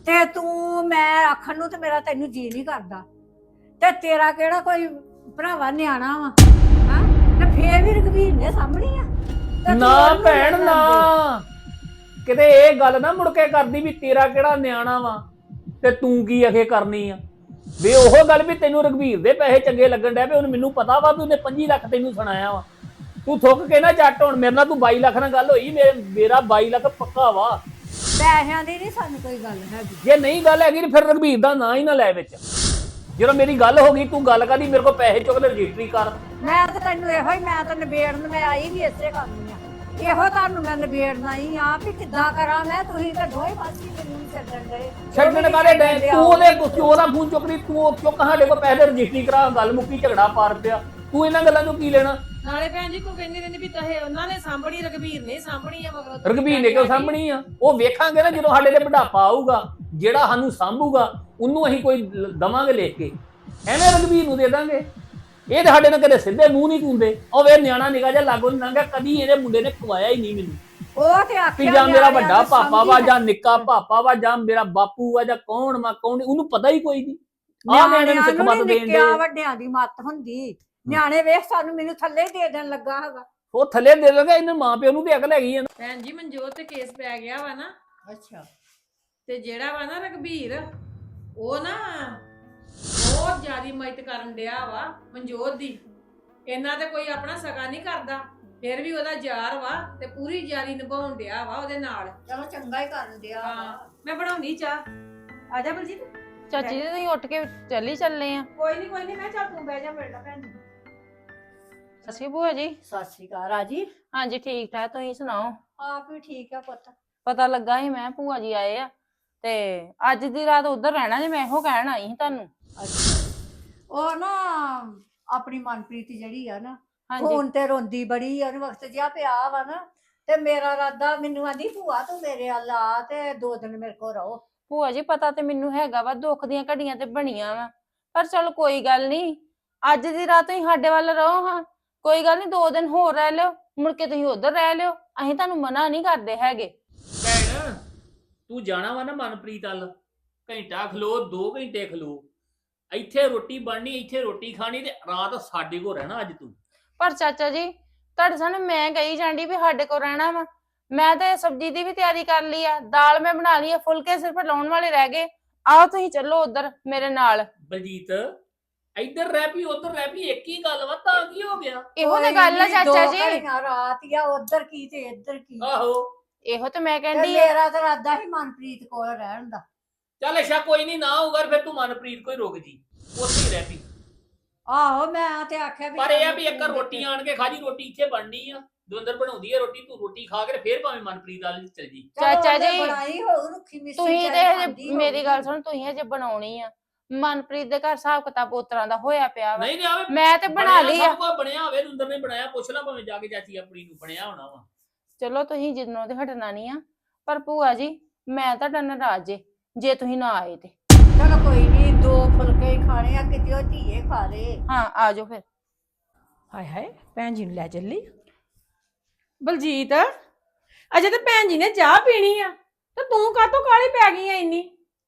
ਤੇ ਤੂੰ ਮੈਂ ਆਖਣ ਨੂੰ ਤੇ ਮੇਰਾ ਤੈਨੂੰ ਜੀ ਨਹੀਂ ਕਰਦਾ ਤੇ ਤੇਰਾ ਕਿਹੜਾ ਕੋਈ ਭਰਾਵਾ ਨਿਆਣਾ ਵਾ ਹਾਂ ਤੇ ਫੇਰ ਵੀ ਰਘਵੀਰ ਨੇ ਸਾਹਮਣੀ ਆ ਤੇ ਤੂੰ
ਨਾ
ਉਹਨੂੰ
ਭੈਣ
ਲੈ
ਨਾ
ਜਾਂਦੀ।
ਕਿਤੇ ਇਹ ਗੱਲ ਨਾ ਮੁੜ ਕੇ ਕਰਦੀ ਵੀ ਤੇਰਾ ਕਿਹੜਾ ਨਿਆਣਾ ਵਾ ਤੇ ਤੂੰ ਕੀ ਅਖੇ ਕਰਨੀ ਆ ਵੀ ਉਹ ਗੱਲ ਵੀ ਤੈਨੂੰ ਰਘਵੀਰ ਦੇ ਪੈਸੇ ਚੰਗੇ ਲੱਗਣ ਡਿਆ ਵੀ ਉਹਨੂੰ ਮੈਨੂੰ ਪਤਾ ਵਾ ਵੀ ਉਹਨੇ 25 ਲੱਖ ਤੈਨੂੰ ਸੁਣਾਇਆ ਵਾ ਤੂੰ ਥੁੱਕ ਕੇ ਨਾ ਜੱਟ ਹੁਣ ਮੇਰੇ ਨਾਲ ਤੂੰ 22 ਲੱਖ ਨਾਲ ਗੱਲ ਹੋਈ ਮੇਰਾ 22 ਲੱਖ ਪੱਕਾ ਵਾ
ਪੈਸਿਆਂ ਦੀ ਨਹੀਂ ਸਾਨੂੰ ਕੋਈ ਗੱਲ ਹੈਗੀ
ਜੇ ਨਹੀਂ ਗੱਲ ਹੈਗੀ ਤੇ ਫਿਰ ਰਘਵੀਰ ਦਾ ਨਾਂ ਹੀ ਨਾ ਲੈ ਵਿੱਚ ਜਦੋਂ ਮੇਰੀ ਗੱਲ ਹੋ ਗਈ ਤੂੰ ਗੱਲ ਕਰਦੀ ਮੇਰੇ ਕੋਲ ਪੈਸੇ ਚੁੱਕ ਲੈ ਰਜਿਸਟਰੀ ਕਰ
ਮੈਂ ਤਾਂ ਤੈਨੂੰ ਇਹੋ ਹੀ ਮੈਂ ਤਾਂ ਨਿਬੇੜਨ ਮੈਂ ਆਈ ਵੀ ਇਸੇ ਕਰਨੀ ਆ ਇਹੋ ਤੁਹਾਨੂੰ ਮੈਂ ਨਿਬੇੜਨਾ ਹੀ ਆ ਵੀ ਕਿੱਦਾਂ ਕਰਾਂ ਮੈਂ ਤੁਸੀਂ ਤਾਂ ਦੋਵੇਂ ਪਾਸੇ ਮੈਨੂੰ ਛੱਡਣ ਦੇ
ਛੱਡਣ ਕਾਲੇ ਡੈ ਤੂੰ ਉਹਦਾ ਫੋਨ ਚੁੱਕਦੀ ਤੂੰ ਚੁੱਕ ਸਾਡੇ ਕੋਲ ਪੈਸੇ ਰਜਿਸਟਰੀ ਕਰਾ ਗੱਲ ਮੁੱਕੀ ਝਗੜਾ ਪਾਰ ਪਿਆ ਤੂੰ ਇਹਨਾਂ ਗੱਲਾਂ ਨੂੰ ਕੀ ਲੈਣਾ
ਨਾਲੇ ਭੈਣ ਜੀ ਕੋ ਕਹਿੰਦੀ ਰਹਿੰਦੀ ਵੀ ਤਹੇ ਉਹਨਾਂ ਨੇ ਸਾਂਭਣੀ ਰਘਬੀਰ ਨੇ ਸਾਂਭਣੀ ਆ ਮਗਰ
ਰਘਬੀਰ ਨੇ ਕਿਉਂ ਸਾਂਭਣੀ ਆ ਉਹ ਵੇਖਾਂਗੇ ਨਾ ਜਦੋਂ ਸਾਡੇ ਤੇ ਬੁਢਾਪਾ ਆਊਗਾ ਜਿਹੜਾ ਸਾਨੂੰ ਸਾਂਭੂਗਾ ਉਹਨੂੰ ਅਸੀਂ ਕੋਈ ਦਵਾਂਗੇ ਲਿਖ ਕੇ ਐਵੇਂ ਰਘਬੀਰ ਨੂੰ ਦੇ ਦਾਂਗੇ ਇਹ ਤੇ ਸਾਡੇ ਨਾਲ ਕਦੇ ਸਿੱਧੇ ਮੂੰਹ ਨਹੀਂ ਕੁੰਦੇ ਉਹ ਵੇ ਨਿਆਣਾ ਨਿਕਾ ਜਾ ਲਾਗੋ ਨਹੀਂ ਲੰਘਿਆ ਕਦੀ ਇਹਦੇ ਮੁੰਡੇ ਨੇ ਖਵਾਇਆ ਹੀ ਨਹੀਂ ਮੈਨੂੰ
ਉਹ ਤੇ
ਵੀ
ਆਖਿਆ
ਜਾਂ ਮੇਰਾ
ਨਿਆਣਿਆਂ
ਵੱਡਾ
ਨੂੰ
ਪਾਪਾ ਵਾ
ਸਮਝੀ
ਜਾਂ ਨਿੱਕਾ ਪਾਪਾ ਵਾ ਜਾਂ ਮੇਰਾ ਬਾਪੂ ਵਾ ਜਾਂ ਕੌਣ ਵਾ ਕੌਣ ਉਹਨੂੰ ਪਤਾ ਹੀ ਕੋਈ ਨਹੀਂ ਆਹ ਨਿਆਣੇ ਨੂੰ ਸਿੱਖ ਮਤ ਦੇਣ ਦੇ
ਨਿੱਕਿਆਂ ਵੱਡਿਆਂ ਦੀ ਮੱਤ ਹੁੰਦੀ ਨਿਆਣੇ ਵੇਖ ਸਾਨੂੰ ਮੈਨੂੰ ਥੱਲੇ ਦੇ ਦੇਣ ਲੱਗਾ ਹੈਗਾ
ਉਹ ਥੱਲੇ ਦੇ ਲਗਾ ਇਹਨਾਂ ਮਾਂ ਪਿਓ ਨੂੰ ਤੇ ਅਕਲ ਹੈਗੀ ਆ ਨਾ
ਭੈਣ ਜੀ ਮਨਜੋਤ ਤੇ ਕੇਸ ਪੈ ਗਿਆ ਵਾ ਨਾ
ਅੱਛਾ
ਤੇ ਜਿਹੜਾ ਵਾ ਨਾ ਰਘਬੀਰ ਉਹ ਨਾ ਬਹੁਤ ਜ਼ਿਆਦੀ ਮਦਦ ਕਰਨ ਡਿਆ ਵਾ ਮਨਜੋਤ ਦੀ ਇਹਨਾਂ ਤੇ ਕੋਈ ਆਪਣਾ ਸਗਾ ਨਹੀਂ ਕਰਦਾ ਫਿਰ ਵੀ ਉਹਦਾ ਯਾਰ ਵਾ ਤੇ ਪੂਰੀ ਯਾਰੀ ਨਿਭਾਉਣ ਡਿਆ ਵਾ ਉਹਦੇ ਨਾਲ
ਚਲੋ ਚੰਗਾ ਹੀ ਕਰਨ ਦਿਆ
ਹਾਂ ਮੈਂ ਬਣਾਉਣੀ ਚਾਹ ਆ ਜਾ ਬਲਜੀਤ
ਚਾਚੀ ਜੀ ਤੁਸੀਂ ਉੱਠ ਕੇ ਚੱਲੇ ਆ
ਕੋਈ ਨਹੀਂ ਮੈਂ ਚੱਲ ਤੂੰ ਬਹਿ ਜਾ ਮੇਰੇ ਨਾਲ ਭੈਣ ਜੀ
ਅਸੀਂ ਭੂਆ ਜੀ
ਸਤਿ ਸ਼੍ਰੀ ਅਕਾਲ ਰਾਜੀ
ਹਾਂਜੀ ਠੀਕ ਠਾਕ ਤੁਸੀਂ ਸੁਣਾਓ
ਆਪ ਵੀ ਠੀਕ ਆ ਪੁੱਤ
ਪਤਾ ਲੱਗਾ ਸੀ ਮੈਂ ਭੂਆ ਜੀ ਆਏ ਆ ਤੇ ਅੱਜ ਦੀ ਰਾਤ ਉਧਰ ਰਹਿਣਾ ਜੇ ਮੈਂ ਇਹੋ ਕਹਿਣ ਆਈ ਸੀ ਤੁਹਾਨੂੰ
ਉਹ ਨਾ ਆਪਣੀ ਮਨਪ੍ਰੀਤ ਜਿਹੜੀ ਆ ਨਾ
ਹਾਂਜੀ
ਹੁਣ ਤੇ ਰੋਂਦੀ ਬੜੀ ਆ ਉਹਨੂੰ ਵਕਤ ਜਿਹਾ ਪਿਆ ਵਾ ਨਾ ਤੇ ਮੇਰਾ ਰਾਦਾ ਮੈਨੂੰ ਆਂਦੀ ਭੂਆ ਤੂੰ ਮੇਰੇ ਵੱਲ ਆ ਤੇ 2 ਦਿਨ ਮੇਰੇ ਕੋਲ ਰਹੋ
ਭੂਆ ਜੀ ਪਤਾ ਤੇ ਮੈਨੂੰ ਹੈਗਾ ਵਾ ਦੁੱਖ ਦੀਆਂ ਘੜੀਆਂ ਤੇ ਬਣੀਆਂ ਵਾ ਪਰ ਚਲ ਕੋਈ ਗੱਲ ਨਹੀਂ ਅੱਜ ਦੀ ਰਾਤ ਤੁਸੀਂ ਸਾਡੇ ਵੱਲ ਰਹੋ ਹਾਂ ਕੋਈ ਗੱਲ ਨਹੀਂ 2 ਦਿਨ ਹੋਰ ਰਹਿ ਲਿਓ ਮੁੜ ਕੇ ਤੁਸੀਂ ਉਧਰ ਰਹਿ ਲਿਓ ਅਸੀਂ ਤੁਹਾਨੂੰ ਮਨਾ ਨਹੀਂ ਕਰਦੇ ਹੈਗੇ
ਭੈਣ ਤੂੰ ਜਾਣਾ ਵਾ ਨਾ ਮਨਪ੍ਰੀਤ ਵੱਲ ਘੰਟਾ ਖਲੋ 2 ਘੰਟੇ ਖਲੋ ਇੱਥੇ ਰੋਟੀ ਬਣਨੀ ਇੱਥੇ ਰੋਟੀ ਖਾਣੀ ਤੇ ਰਾਤ ਸਾਡੇ ਕੋਲ ਰਹਿਣਾ ਅੱਜ ਤੂੰ
ਪਰ ਚਾਚਾ ਜੀ ਤੁਹਾਡੇ ਸਾਹਮਣੇ ਮੈਂ ਕਹੀ ਜਾਂਦੀ ਵੀ ਸਾਡੇ ਕੋਲ ਰਹਿਣਾ ਵਾ ਮੈਂ ਤੇ ਸਬਜ਼ੀ ਦੀ ਵੀ ਤਿਆਰੀ ਕਰ ਲਈ ਆ ਦਾਲ ਮੈਂ ਬਣਾ ਲਈ ਆ ਫੁਲਕੇ ਸਿਰਫ ਲਾਉਣ ਵਾਲੇ ਰਹਿ ਗਏ ਆਓ ਤੁਸੀਂ ਚੱਲੋ ਉਧਰ ਮੇਰੇ ਨਾਲ
ਬਲਜੀਤ ਇੱਧਰ ਰਹਿ ਪਈ ਉੱਧਰ ਰਹਿ ਪਈ ਇੱਕ ਹੀ ਗੱਲ ਵਾ ਤਾਂ ਕੀ ਹੋ ਗਿਆ
ਇਹੋ ਤੇ ਗੱਲ ਆ ਚਾਚਾ ਜੀ
ਰਾਤ ਆ ਉਧਰ ਕੀ ਤੇ ਇੱਧਰ ਕੀ
ਆਹੋ
ਇਹੋ ਤੇ ਮੈਂ
ਤੇ
ਕਹਿੰਦੀ ਆ
ਮੇਰਾ ਤਾਂ ਰਾਦਾ ਹੀ ਮਨਪ੍ਰੀਤ ਕੋਲ ਰਹਿਣ ਦਾ
ਚੱਲ ਅੱਛਾ ਕੋਈ ਨਹੀਂ ਨਾ ਹੋਊਗਾ ਫਿਰ ਤੂੰ ਮਨਪ੍ਰੀਤ ਕੋਈ ਰੁਕ ਜੀ ਉੱਥੇ ਹੀ ਰਹਿ ਪਈ
ਆਹੋ ਮੈਂ ਤੇ ਆਖਿਆ
ਪਰ ਇਹ ਆ ਵੀ ਇੱਕ ਰੋਟੀ ਆਣ ਕੇ ਖਾ ਜੀ ਰੋਟੀ ਇੱਥੇ ਬਣਨੀ ਆ ਦਵਿੰਦਰ ਬਣਾਉਂਦੀ ਆ ਰੋਟੀ ਤੂੰ ਰੋਟੀ ਖਾ ਕੇ ਫੇਰ ਭਾਵੇਂ ਮਨਪ੍ਰੀਤ ਵਾਲੀ ਚਲ ਜੀ
ਚਾਚਾ ਜੀ,
ਬਣਾਈ ਹੋਊ ਰੁੱਖੀ ਮਿੱਸੀ
ਤੁਸੀਂ
ਚਾਹੇ
ਤੇ
ਖਾਂਦੀ
ਮੇਰੀ
ਹੋਊ।
ਗੱਲ ਸੁਣ ਤੁਸੀਂ ਹਜੇ ਬਣਾਉਣੀ ਆ ਮਨਪ੍ਰੀਤ ਦੇ ਘਰ ਹਿਸਾਬ ਕਿਤਾਬ ਉਤਰਾਂ ਦਾ ਹੋਇਆ ਪਿਆ ਵਾ
ਨਹੀਂ ਨਹੀਂ ਆਵੇ
ਮੈਂ ਤੇ ਬਣਾ ਲਈ ਆ
ਸਭ ਕੁਝ ਬਣਿਆ ਹੋਵੇ ਦਵਿੰਦਰ ਨੇ ਬਣਾਇਆ ਪੁੱਛ ਲੈ ਭਾਵੇਂ ਜਾ ਕੇ ਚਾਚੀ ਆਪਣੀ ਨੂੰ ਬਣਿਆ ਹੋਣਾ ਵਾ
ਚਲੋ ਤੁਸੀਂ ਜਿੰਨੋਂ ਤੇ ਹਟਣਾ ਨਹੀਂ ਆ ਪਰ ਭੂਆ ਜੀ ਮੈਂ ਤੁਹਾਡਾ ਨਾਰਾਜ਼ ਜੇ ਤੁਸੀਂ ਨਾ ਆਏ ਤੇ
ਚਲੋ ਕੋਈ ਨਹੀਂ 2 ਫੁਲਕੇ ਹੀ ਖਾਣੇ ਆ ਕਿਤੇ ਉਹ ਧੀਏ ਖਾ ਲੇ
ਹਾਂ ਆ ਜਾਓ ਫਿਰ
ਹਾਏ ਹਾਏ ਭੈਣ ਜੀ ਨੂੰ ਲੈ ਚੱਲੀ ਬਲਜੀਤ ਅਜੇ ਤਾਂ ਭੈਣ ਜੀ ਨੇ ਚਾਹ ਪੀਣੀ ਆ ਤੇ ਤੂੰ ਕਾਹਤੋਂ ਕਾਹਲੀ ਪੈ ਗਈ ਆ ਇੰਨੀ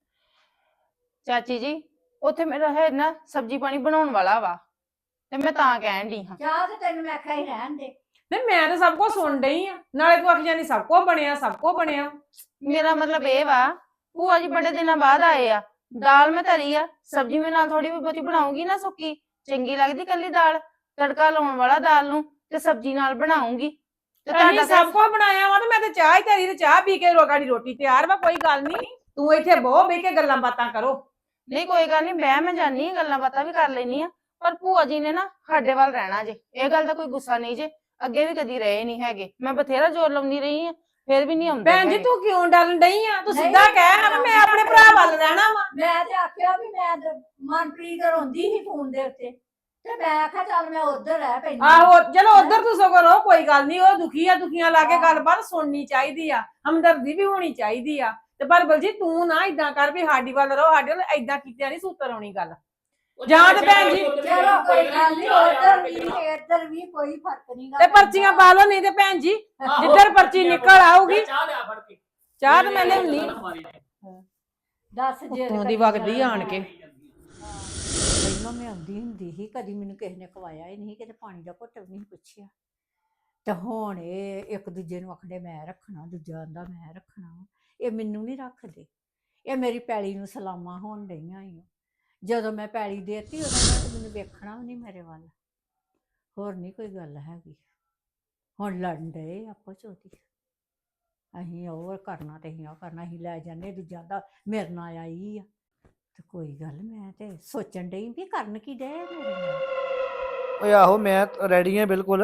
ਚਾਚੀ ਜੀ ਉੱਥੇ ਮੇਰਾ ਹੈ ਨਾ ਸਬਜ਼ੀ ਪਾਣੀ ਬਣਾਉਣ ਵਾਲਾ ਵਾ ਤੇ ਮੈਂ ਤਾਂ ਕਹਿਣ ਦੀ ਹਾਂ
ਚਾਹ ਤੇ ਤੈਨੂੰ ਮੈਂ ਆਖਿਆ ਹੀ ਰਹਿਣ ਦੇ
ਨਹੀਂ ਮੈਂ ਤਾਂ ਸਭ ਕੁਝ ਸੁਣ ਡਈ ਆ ਨਾਲੇ ਤੂੰ ਆਖੀ ਜਾਨੀ ਸਭ ਕੁਝ ਬਣਿਆ
ਮੇਰਾ ਮਤਲਬ ਇਹ ਵਾ ਭੂਆ ਜੀ ਬੜੇ ਦਿਨਾਂ ਬਾਅਦ ਆਏ ਆ ਦਾਲ ਮੈਂ ਧਰੀ ਆ ਸਬਜ਼ੀ ਮੈਂ ਨਾਲ ਥੋੜੀ ਬਹੁਤੀ ਬਣਾਉਂਗੀ ਨਾ ਸੁੱਕੀ ਚੰਗੀ ਲੱਗਦੀ ਕੱਲੀ ਦਾਲ ਤੜਕਾ ਲਾਉਣ ਵਾਲਾ ਦਾਲ ਨੂੰ ਤੇ ਸਬਜ਼ੀ ਨਾਲ ਬਣਾਉਂਗੀ ਤੇ
ਅਸੀਂ ਸਭ ਕੁਝ ਬਣਾਇਆ ਵਾ ਤੇ ਮੈਂ ਤੇ ਚਾਹ ਹੀ ਧਰੀ ਤੇ ਚਾਹ ਪੀ ਕੇ ਰੋਗਾੜੀ ਰੋਟੀ ਤਿਆਰ ਵਾ ਕੋਈ ਗੱਲ ਨਹੀਂ ਤੂੰ ਇੱਥੇ ਬਹੁ ਬਹਿ ਕੇ ਗੱਲਾਂ ਬਾਤਾਂ ਕਰੋ
ਨਹੀਂ ਕੋਈ ਗੱਲ ਨਹੀਂ ਮੈਂ ਜਾਨੀ ਆ ਗੱਲਾਂ ਬਾਤਾਂ ਵੀ ਕਰ ਲੈਣੀ ਆ ਪਰ ਭੂਆ ਜੀ ਨੇ ਨਾ ਸਾਡੇ ਵੱਲ ਰਹਿਣਾ ਜੇ ਇਹ ਗੱਲ ਦਾ ਕੋਈ ਗੁੱਸਾ ਨਹੀਂ ਜੇ ਅੱਗੇ ਵੀ ਕਦੀ ਰਹੇ ਨਹੀਂ ਹੈਗੇ ਮੈਂ ਬਥੇਰਾ ਜ਼ੋਰ ਲਾਉਂਦੀ ਰਹੀ ਆ ਫਿਰ ਵੀ ਨਹੀਂ ਆਉਂਦੇ
ਭੈਣ ਜੀ
ਹੈਗੇ।
ਤੂੰ ਕਿਉਂ ਡਰਨ ਡਈ ਆ ਤੂੰ
ਨਹੀਂ,
ਸਿੱਧਾ ਕਹਿ ਨਾ ਮੈਂ ਆਪਣੇ ਭਰਾ ਵੱਲ ਰਹਿਣਾ ਵਾ
ਮੈਂ ਤੇ ਆਖਿਆ ਵੀ ਮੈਂ ਮਨਪ੍ਰੀਤ ਰੋਂਦੀ ਸੀ ਫੋਨ ਦੇ ਉੱਤੇ ਤੇ ਮੈਂ ਆਖਿਆ ਚੱਲ ਮੈਂ ਉਧਰ ਰਹਿ ਪੈਂਦੀ
ਆਹੋ ਚਲੋ ਉਧਰ ਤੂੰ ਸਗੋਂ ਰਹੋ ਕੋਈ ਗੱਲ ਨਹੀਂ ਉਹ ਦੁਖੀ ਆ ਦੁਖੀਆਂ ਲਾ ਕੇ ਗੱਲਬਾਤ ਸੁਣਨੀ ਚਾਹੀਦੀ ਆ ਹਮਦਰਦੀ ਵੀ ਹੋਣੀ ਚਾਹੀਦੀ ਆ ਤੇ ਪਰ ਬਲਜੀ ਤੂੰ ਨਾ ਇਦਾਂ ਕਰ ਵੀ ਸਾਡੀ ਵੱਲ ਰਹੋ ਸਾਡੇ ਵੱਲ ਇਦਾਂ ਕੀਤਿਆਂ ਨਹੀਂ ਸੂਤਰ ਆਉਣੀ ਗੱਲ ਜਾਂ ਤੇ ਭੈਣ ਜੀ
ਚਲੋ ਕੋਈ ਗੱਲ ਨਹੀਂ ਉਧਰ ਵੀ ਇੱਧਰ ਵੀ ਕੋਈ ਫਰਕ ਨਹੀਂ
ਤੇ ਪਰਚੀਆਂ ਪਾ ਲਓ ਨਹੀਂ ਤੇ ਭੈਣ ਜੀ ਜਿੱਧਰ ਪਰਚੀ ਨਿਕਲ ਆਊਗੀ
ਚਾਹ ਲਿਆ ਫੜ ਕੇ
ਚਾਹ ਤੇ ਮੈਂ ਲਿਆਉਣੀ
ਦੱਸ ਜੇ
ਉੱਤੋਂ ਦੀ
ਕਦੀ
ਵਗਦੀ
ਜਾਣਾ
ਆਣ ਕੇ।
ਪਹਿਲਾਂ ਮੈਂ ਆਉਂਦੀ ਹੁੰਦੀ ਸੀ, ਕਦੀ ਮੈਨੂੰ ਕਿਸੇ ਨੇ ਖਵਾਇਆ ਹੀ ਨਹੀਂ, ਕਿਤੇ ਪਾਣੀ ਦਾ ਘੁੱਟ ਵੀ ਨਹੀਂ ਪੁੱਛਿਆ। ਤੇ ਹੁਣ ਇਹ ਇੱਕ ਦੂਜੇ ਨੂੰ ਆਖਦੇ ਮੈਂ ਰੱਖਣਾ, ਦੂਜਾ ਆਂਦਾ ਮੈਂ ਰੱਖਣਾ। ਇਹ ਮੈਨੂੰ ਨਹੀਂ ਰੱਖਦੇ, ਇਹ ਮੇਰੀ ਪੈਲੀ ਨੂੰ ਸਲਾਮਾਂ ਹੋਣ ਡਈਆਂ ਈ ਓ। ਜਦੋਂ ਮੈਂ ਪੈਲੀ ਦੇਤੀ ਉਹਨਾਂ ਨੇ ਤਾਂ ਮੈਨੂੰ ਵੇਖਣਾ ਵੀ ਨਹੀਂ ਮੇਰੇ ਵੱਲ। ਹੋਰ ਨਹੀਂ ਕੋਈ ਗੱਲ ਹੈਗੀ। ਹੁਣ ਲੜਨ ਡਏ ਆਪਸ ਚ ਉਹਦੀ, ਅਸੀਂ ਉਹ ਕਰਨਾ ਤੇ ਅਸੀਂ ਉਹ ਕਰਨਾ, ਅਸੀਂ ਲੈ ਜਾਂਦੇ, ਦੂਜਾ ਦਾ ਮੇਰੇ ਨਾਲ ਆਈ ਆ। ਤੇ ਕੋਈ ਗੱਲ, ਮੈਂ ਤੇ ਸੋਚਣ ਡਈ ਵੀ ਕਰਨ ਕੀ ਡਏ ਆ ਮੇਰੇ ਨਾਲ।
ਓਏ ਆਹੋ ਮੈਂ ਰੈਡੀ ਆ ਬਿਲਕੁਲ।